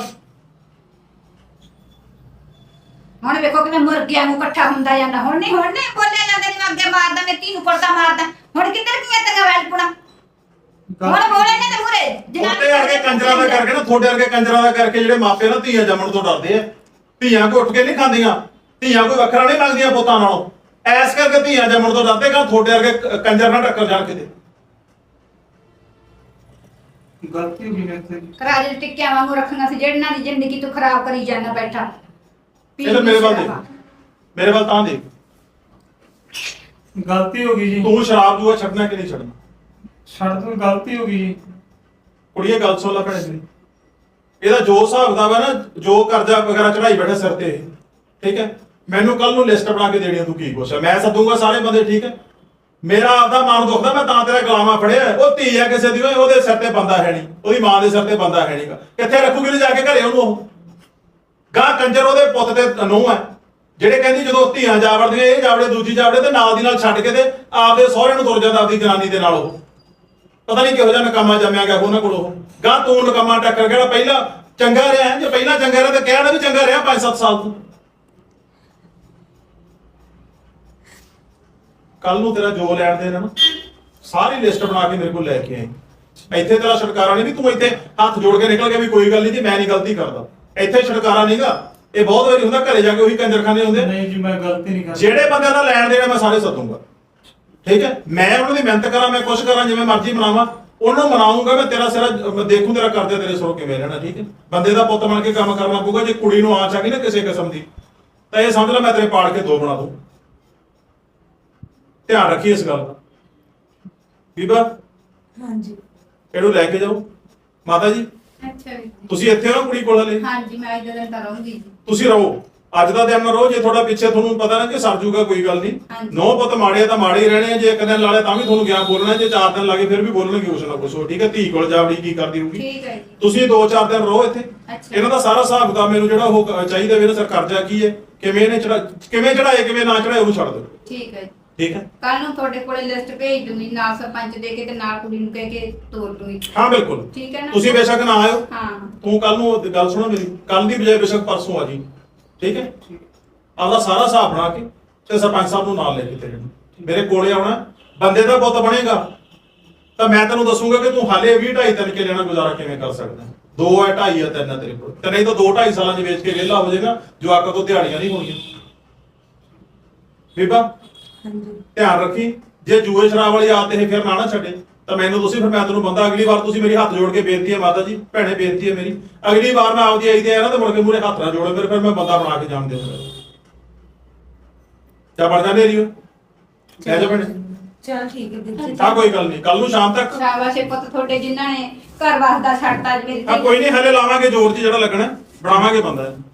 [SPEAKER 1] ਹੁਣ ਵੇਖੋ ਕਿਵੇਂ ਮੁਰਗਿਆਂ ਨੂੰ ਇਕੱਠਾ ਹੁੰਦਾ ਜਾਂਦਾ। ਹੁਣ ਨਹੀਂ ਬੋਲਿਆ ਜਾਂਦਾ, ਜਿਵੇਂ ਅੱਗੇ ਮਾਰਦਾ ਮੈਂ ਧੀ ਨੂੰ ਪਰਦਾ ਮਾਰਦਾ। ਹੁਣ ਕਿੱਧਰ ਗਈਆਂ ਤੇਰੀਆਂ ਵੈਲਪੁਣਾ? ਹੁਣ ਬੋਲੇ ਨੇ ਤੇ ਮੂਰੇ
[SPEAKER 2] ਉਹਦੇ ਵਰਗੇ ਕੰਜਰਾਂ ਦਾ ਕਰਕੇ ਨਾ, ਤੁਹਾਡੇ ਵਰਗੇ ਕੰਜਰਾਂ ਦਾ ਕਰਕੇ ਜਿਹੜੇ ਮਾਪੇ ਨਾ ਧੀਆਂ ਜੰਮਣ ਤੋਂ ਡਰਦੇ ਆ। ਧੀਆਂ ਕੋ ਉੱਠ ਕੇ ਨਹੀਂ ਖਾਂਦੀਆਂ, ਧੀਆਂ ਕੋਈ ਵੱਖਰਾ ਨਹੀਂ ਲੱਗਦੀਆਂ ਪੁੱਤਾਂ ਨਾਲੋਂ। ਐਸ ਕਰਕੇ ਧੀਆਂ ਜੰਮਣ ਤੋਂ ਡਰਦੇ, ਕਿ ਤੁਹਾਡੇ ਵਰਗੇ ਕੰਜਰ ਨਾਲ ਟੱਕਰ ਜਾਣ ਕਿਤੇ।
[SPEAKER 3] ਗਲਤੀ ਹੋ ਗਈ ਮੇਰੇ ਤੋਂ ਜੀ।
[SPEAKER 1] ਰਾਜੇ ਟਿੱਕਿਆਂ ਵਾਂਗੂ ਰੱਖਣਾ ਸੀ, ਜਿਹੜਨਾਂ ਦੀ ਜ਼ਿੰਦਗੀ ਤੂੰ ਖਰਾਬ ਕਰੀ ਜਾਂਦਾ ਬੈਠਾ।
[SPEAKER 2] ਇਹ ਮੇਰੇ ਵੱਲ ਦੇਖ, ਮੇਰੇ ਵੱਲ ਤਾਂ ਦੇਖ।
[SPEAKER 3] ਗਲਤੀ ਹੋ ਗਈ ਜੀ।
[SPEAKER 2] ਤੂੰ ਸ਼ਰਾਬ ਜੂਆ ਛੱਡਣਾ ਕਿ ਨਹੀਂ ਛੱਡਣਾ?
[SPEAKER 3] ਛੱਡ ਦੋ, ਗਲਤੀ ਹੋ ਗਈ ਜੀ।
[SPEAKER 2] ਕੁੜੀਏ ਗੱਲ ਸੁਣ ਲੈ ਭੈਣੇ ਤੇਰੀ। ਇਹਦਾ ਜੋ ਹਿਸਾਬ ਦਾ ਵਾ ਨਾ, ਜੋ ਕਰਜ਼ਾ ਵਗੈਰਾ ਚੜਾਈ ਬੈਠਾ ਸਿਰ ਤੇ, ਠੀਕ ਹੈ, ਮੈਨੂੰ ਕੱਲ ਨੂੰ ਲਿਸਟ ਬਣਾ ਕੇ ਦੇਣੀ ਆ ਤੂੰ ਕੀ ਕੁਛ ਹੈ। ਮੈਂ ਸੱਦੂਗਾ ਸਾਰੇ ਬੰਦੇ, ਠੀਕ ਹੈ। ਮੇਰਾ ਆਪਦਾ ਮਨ ਦੁਖਦਾ, ਮੈਂ ਤਾਂ ਤੇਰਾ ਗੁਲਾਮਾ ਫੜਿਆ। ਉਹ ਧੀ ਆ ਕਿਸੇ ਦੀ, ਉਹਦੇ ਸਿਰ ਤੇ ਬੰਦਾ ਹੈ ਨਹੀਂ, ਉਹਦੀ ਮਾਂ ਦੇ ਸਿਰ ਤੇ ਬੰਦਾ ਹੈ ਨਹੀਂਗਾ। ਕਿੱਥੇ ਰੱਖੂਗੀ ਜਾ ਕੇ ਘਰੇ ਉਹਨੂੰ? ਉਹ ਗਾਂ ਕੰਜਰ ਉਹਦੇ ਪੁੱਤ ਤੇ ਨੂੰਹ ਹੈ, ਜਿਹੜੇ ਕਹਿੰਦੀ ਜਦੋਂ ਧੀਆਂ ਜਾਵੜਦੀਆਂ, ਇਹ ਜਾਵੜੇ ਦੂਜੀ ਜਾਵੜੇ, ਤੇ ਨਾਲ ਦੀ ਨਾਲ ਛੱਡ ਕੇ ਤੇ ਆਪਦੇ ਸਹੁਰੇ ਨੂੰ ਤੁਰ ਜਾਂਦਾ ਆਪਦੀ ਜਨਾਨੀ ਦੇ ਨਾਲ। ਉਹ ਪਤਾ ਨਹੀਂ ਕਿਹੋ ਜਿਹਾ ਨਕਾਮਾ ਜੰਮਿਆ ਗਿਆ ਉਹਨਾਂ ਕੋਲ। ਉਹ ਗਾਂ ਤੂੰ ਨਕਾਮਾ ਟੱਕਰ ਗਿਆ। ਪਹਿਲਾਂ ਚੰਗਾ ਰਿਹਾ, ਜੇ ਪਹਿਲਾਂ ਚੰਗਾ ਰਿਹਾ ਤੇ ਕਹਿਣਾ ਵੀ ਚੰਗਾ ਰਿਹਾ 5-7 ਸਾਲ ਤੋਂ। ਕੱਲ ਨੂੰ ਤੇਰਾ ਜੋ ਲੈਣ ਦੇਣਾ ਨਾ, ਸਾਰੀ ਲਿਸਟ ਬਣਾ ਕੇ ਮੇਰੇ ਕੋਲ ਲੈ ਕੇ ਆਈ। ਇੱਥੇ ਤੇਰਾ ਛੁਟਕਾਰਾ ਨਹੀਂ ਵੀ ਤੂੰ ਇੱਥੇ ਹੱਥ ਜੋੜ ਕੇ ਨਿਕਲ ਗਿਆ ਵੀ ਕੋਈ ਗੱਲ ਨਹੀਂ ਜੀ, ਮੈਂ ਨਹੀਂ ਗਲਤੀ ਕਰਦਾ। ਇੱਥੇ ਛੁਟਕਾਰਾ ਨਹੀਂਗਾ। ਇਹ ਬਹੁਤ ਵਾਰੀ ਹੁੰਦਾ, ਘਰੇ ਜਾ ਕੇ ਉਹੀ ਕੰਜਰਖਾਨੇ ਹੁੰਦੇ।
[SPEAKER 3] ਨਹੀਂ ਜੀ ਮੈਂ ਗਲਤੀ ਨਹੀਂ ਕਰਦਾ।
[SPEAKER 2] ਜਿਹੜੇ ਬੰਦਿਆਂ ਦਾ ਲੈਣ ਦੇਣਾ ਮੈਂ ਸਾਰੇ ਸੱਦੂਗਾ, ਠੀਕ ਹੈ। ਮੈਂ ਉਹਨਾਂ ਦੀ ਮਿਹਨਤ ਕਰਾਂ, ਮੈਂ ਕੁਛ ਕਰਾਂ, ਜਿਵੇਂ ਮਰਜ਼ੀ ਮਨਾਵਾਂ, ਉਹਨੂੰ ਮਨਾਉਂਗਾ ਮੈਂ। ਤੇਰਾ ਸਿਰਾ ਦੇਖੂ, ਤੇਰਾ ਕਰਦੇ ਤੇਰੇ ਸਿਰੋਂ ਕਿਵੇਂ ਰਹਿਣਾ, ਠੀਕ ਹੈ। ਬੰਦੇ ਦਾ ਪੁੱਤ ਬਣ ਕੇ ਕੰਮ ਕਰਨਾ ਪਊਗਾ। ਜੇ ਕੁੜੀ ਨੂੰ ਆਂਚ ਆ ਗਈ ਨਾ ਕਿਸੇ ਕਿਸਮ ਦੀ, ਤਾਂ ਇਹ ਸਮਝ ਲੈ ਮੈਂ ਤੇਰੇ ਪਾੜ ਕੇ 2 ਬਣਾ ਦੂੰ। ਧਿਆਨ ਰੱਖੀ ਇਸ ਗੱਲ ਦਾ। ਬੀਬਾ
[SPEAKER 4] ਹਾਂਜੀ
[SPEAKER 2] ਇਹਨੂੰ ਲੈ ਕੇ ਜਾਓ। ਮਾਤਾ ਜੀ
[SPEAKER 1] ਅੱਛਾ ਜੀ।
[SPEAKER 2] ਤੁਸੀਂ ਇੱਥੇ ਹੋ ਕੁੜੀ ਕੋਲ ਹਲੇ?
[SPEAKER 1] ਹਾਂਜੀ, ਮੈਂ ਅੱਜ ਦਿਨ ਤਾਂ ਰਹੂੰਗੀ ਜੀ।
[SPEAKER 2] ਤੁਸੀਂ ਰਹੋ, ਅੱਜ ਦਾ ਦਿਨ ਰਹੋ। ਜੇ ਤੁਹਾਡਾ ਪਿੱਛੇ ਤੁਹਾਨੂੰ ਪਤਾ ਨਾ ਕਿ ਸਰ ਜੂਗਾ, ਕੋਈ ਗੱਲ ਨਹੀਂ।
[SPEAKER 1] ਹਾਂਜੀ।
[SPEAKER 2] 9 ਪੁੱਤ ਮਾੜੇ ਤਾਂ ਮਾੜੇ ਹੀ ਰਹਿਣੇ ਆ। ਜੇ ਇੱਕ ਦਿਨ ਲਾਲੇ ਤਾਂ ਵੀ ਤੁਹਾਨੂੰ ਗਿਆ ਬੋਲਣਾ, ਜੇ 4 ਦਿਨ ਲੱਗੇ ਫਿਰ ਵੀ ਬੋਲਣਗੇ ਕੁਛ ਨਾ ਕੁਛ, ਠੀਕ ਹੈ। ਧੀ ਕੋਲ ਜਾਵੜੀ ਕੀ ਕਰਦੀ ਹੋਊਗੀ।
[SPEAKER 1] ਠੀਕ ਹੈ ਜੀ।
[SPEAKER 2] ਤੁਸੀਂ 2-4 ਦਿਨ ਰਹੋ ਇੱਥੇ।
[SPEAKER 1] ਅੱਛਾ।
[SPEAKER 2] ਇਹਨਾਂ ਦਾ ਸਾਰਾ ਹਿਸਾਬ ਕਿਤਾਬ ਮੈਨੂੰ ਜਿਹੜਾ ਉਹ ਚਾਹੀਦਾ ਵੀ, ਇਹਨਾਂ ਸਰ ਕਰਜ਼ਾ ਕੀ ਹੈ, ਕਿਵੇਂ ਇਹਨੇ ਕਿਵੇਂ ਚੜਾਏ, ਕਿਵੇਂ ਨਾ ਚੜਾਏ, ਉਹਨੂੰ ਛੱਡ ਦਿਓ,
[SPEAKER 1] ਠੀਕ ਹੈ ਜੀ।
[SPEAKER 2] ਠੀਕ ਹੈ।
[SPEAKER 1] ਕੱਲ ਨੂੰ ਤੁਹਾਡੇ ਕੋਲੇ ਲਿਸਟ ਭੇਜ ਦੂੰਗੀ, ਨਾਲ ਸਰਪੰਚ ਦੇ ਕੇ ਤੇ ਨਾਲ ਕੁੜੀ ਨੂੰ ਕਹਿ ਕੇ ਤੋਰ ਦੂੰਗੀ।
[SPEAKER 2] ਹਾਂ ਬਿਲਕੁਲ,
[SPEAKER 1] ਠੀਕ ਹੈ ਨਾ?
[SPEAKER 2] ਤੁਸੀਂ ਬੇਸ਼ੱਕ ਨਾ ਆਇਓ।
[SPEAKER 1] ਹਾਂ।
[SPEAKER 2] ਤੂੰ ਕੱਲ ਨੂੰ ਗੱਲ ਸੁਣੋ ਮੇਰੀ, ਕੱਲ ਦੀ ਬਜਾਏ ਬੇਸ਼ੱਕ ਪਰਸੋਂ ਆ ਜੀ, ਠੀਕ ਹੈ। ਆਪਦਾ ਸਾਰਾ ਹਿਸਾਬ ਬਣਾ ਕੇ ਤੇ ਸਰਪੰਚ ਸਾਹਿਬ ਨੂੰ ਨਾਲ ਲੈ ਕੇ ਤੇਰੇ ਮੇਰੇ ਕੋਲੇ ਆਉਣਾ। ਬੰਦੇ ਦਾ ਪੁੱਤ ਬਣੇਗਾ ਤਾਂ ਮੈਂ ਤੈਨੂੰ ਦੱਸੂਗਾ ਕਿ ਤੂੰ ਹਾਲੇ 20-2.5-3 ਕਿੱਲੇ ਨਾਲ ਗੁਜ਼ਾਰਾ ਕਿਵੇਂ ਕਰ ਸਕਦਾ। 2 ਹੈ, 2.5 ਹੈ, 3 ਹੈ ਤੇਰੇ ਕੋਲ, ਤੇ ਨਹੀਂ ਤਾਂ 2-2.5 ਸਾਲਾਂ 'ਚ ਵੇਚ ਕੇ ਵਿਹਲਾ ਹੋ ਜਾਏਗਾ। ਜਵਾਕਾਂ ਤੋਂ ਦਿਹਾੜੀਆਂ ਨਹੀਂ ਹੋਣੀਆਂ। ਬੀਬਾ
[SPEAKER 4] ਹਾਂਜੀ
[SPEAKER 2] ਧਿਆਨ ਰੱਖੀ, ਜੇ ਜੂਏ ਸ਼ਰਾਬ ਵਾਲੀ ਆਦਤ ਇਹ ਫਿਰ ਨਾ ਛੱਡੇ ਤਾਂ ਮੈਨੂੰ ਤੁਸੀਂ, ਫਿਰ ਮੈਂ ਤੁਹਾਨੂੰ ਬੰਦਾ ਅਗਲੀ ਵਾਰ ਤੁਸੀਂ ਮੇਰੀ ਹੱਥ ਜੋੜ ਕੇ ਬੇਨਤੀ ਹੈ ਮਾਤਾ ਜੀ, ਭੈਣੇ ਬੇਨਤੀ ਹੈ ਮੇਰੀ, ਅਗਲੀ ਵਾਰ ਮੈਂ ਆਪਦੀ ਆਈ ਤੇ ਆਇਆ ਨਾ ਤੇ ਮੁੜ ਕੇ ਮੂਹਰੇ ਹੱਥ ਨਾ ਜੋੜੋ ਫਿਰ ਮੈਂ ਬੰਦਾ ਬਣਾ ਕੇ ਜਾਣ ਦਿਓ। ਕਿਆ ਬਣ ਜਾਂਦੇ ਰੀਓ ਲੈ ਜਾ ਭੈਣੇ।
[SPEAKER 4] ਚਲ ਠੀਕ ਹੈ ਵੀਰ ਜੀ।
[SPEAKER 2] ਆ ਕੋਈ ਗੱਲ ਨਹੀਂ, ਕੱਲ ਨੂੰ ਸ਼ਾਮ ਤੱਕ
[SPEAKER 1] ਸ਼ਾਬਾਸ਼ ਏ ਪੁੱਤ ਤੁਹਾਡੇ ਜਿਨ੍ਹਾਂ ਨੇ ਘਰ ਵਸਦਾ ਛੱਡਤਾ ਅੱਜ ਮੇਰੀ
[SPEAKER 2] ਆ ਕੋਈ ਨਹੀਂ, ਹਲੇ ਲਾਵਾਂਗੇ ਜ਼ੋਰ 'ਚ ਜਿਹੜਾ ਲੱਗਣਾ, ਬਣਾਵਾਂਗੇ ਬੰਦਾ।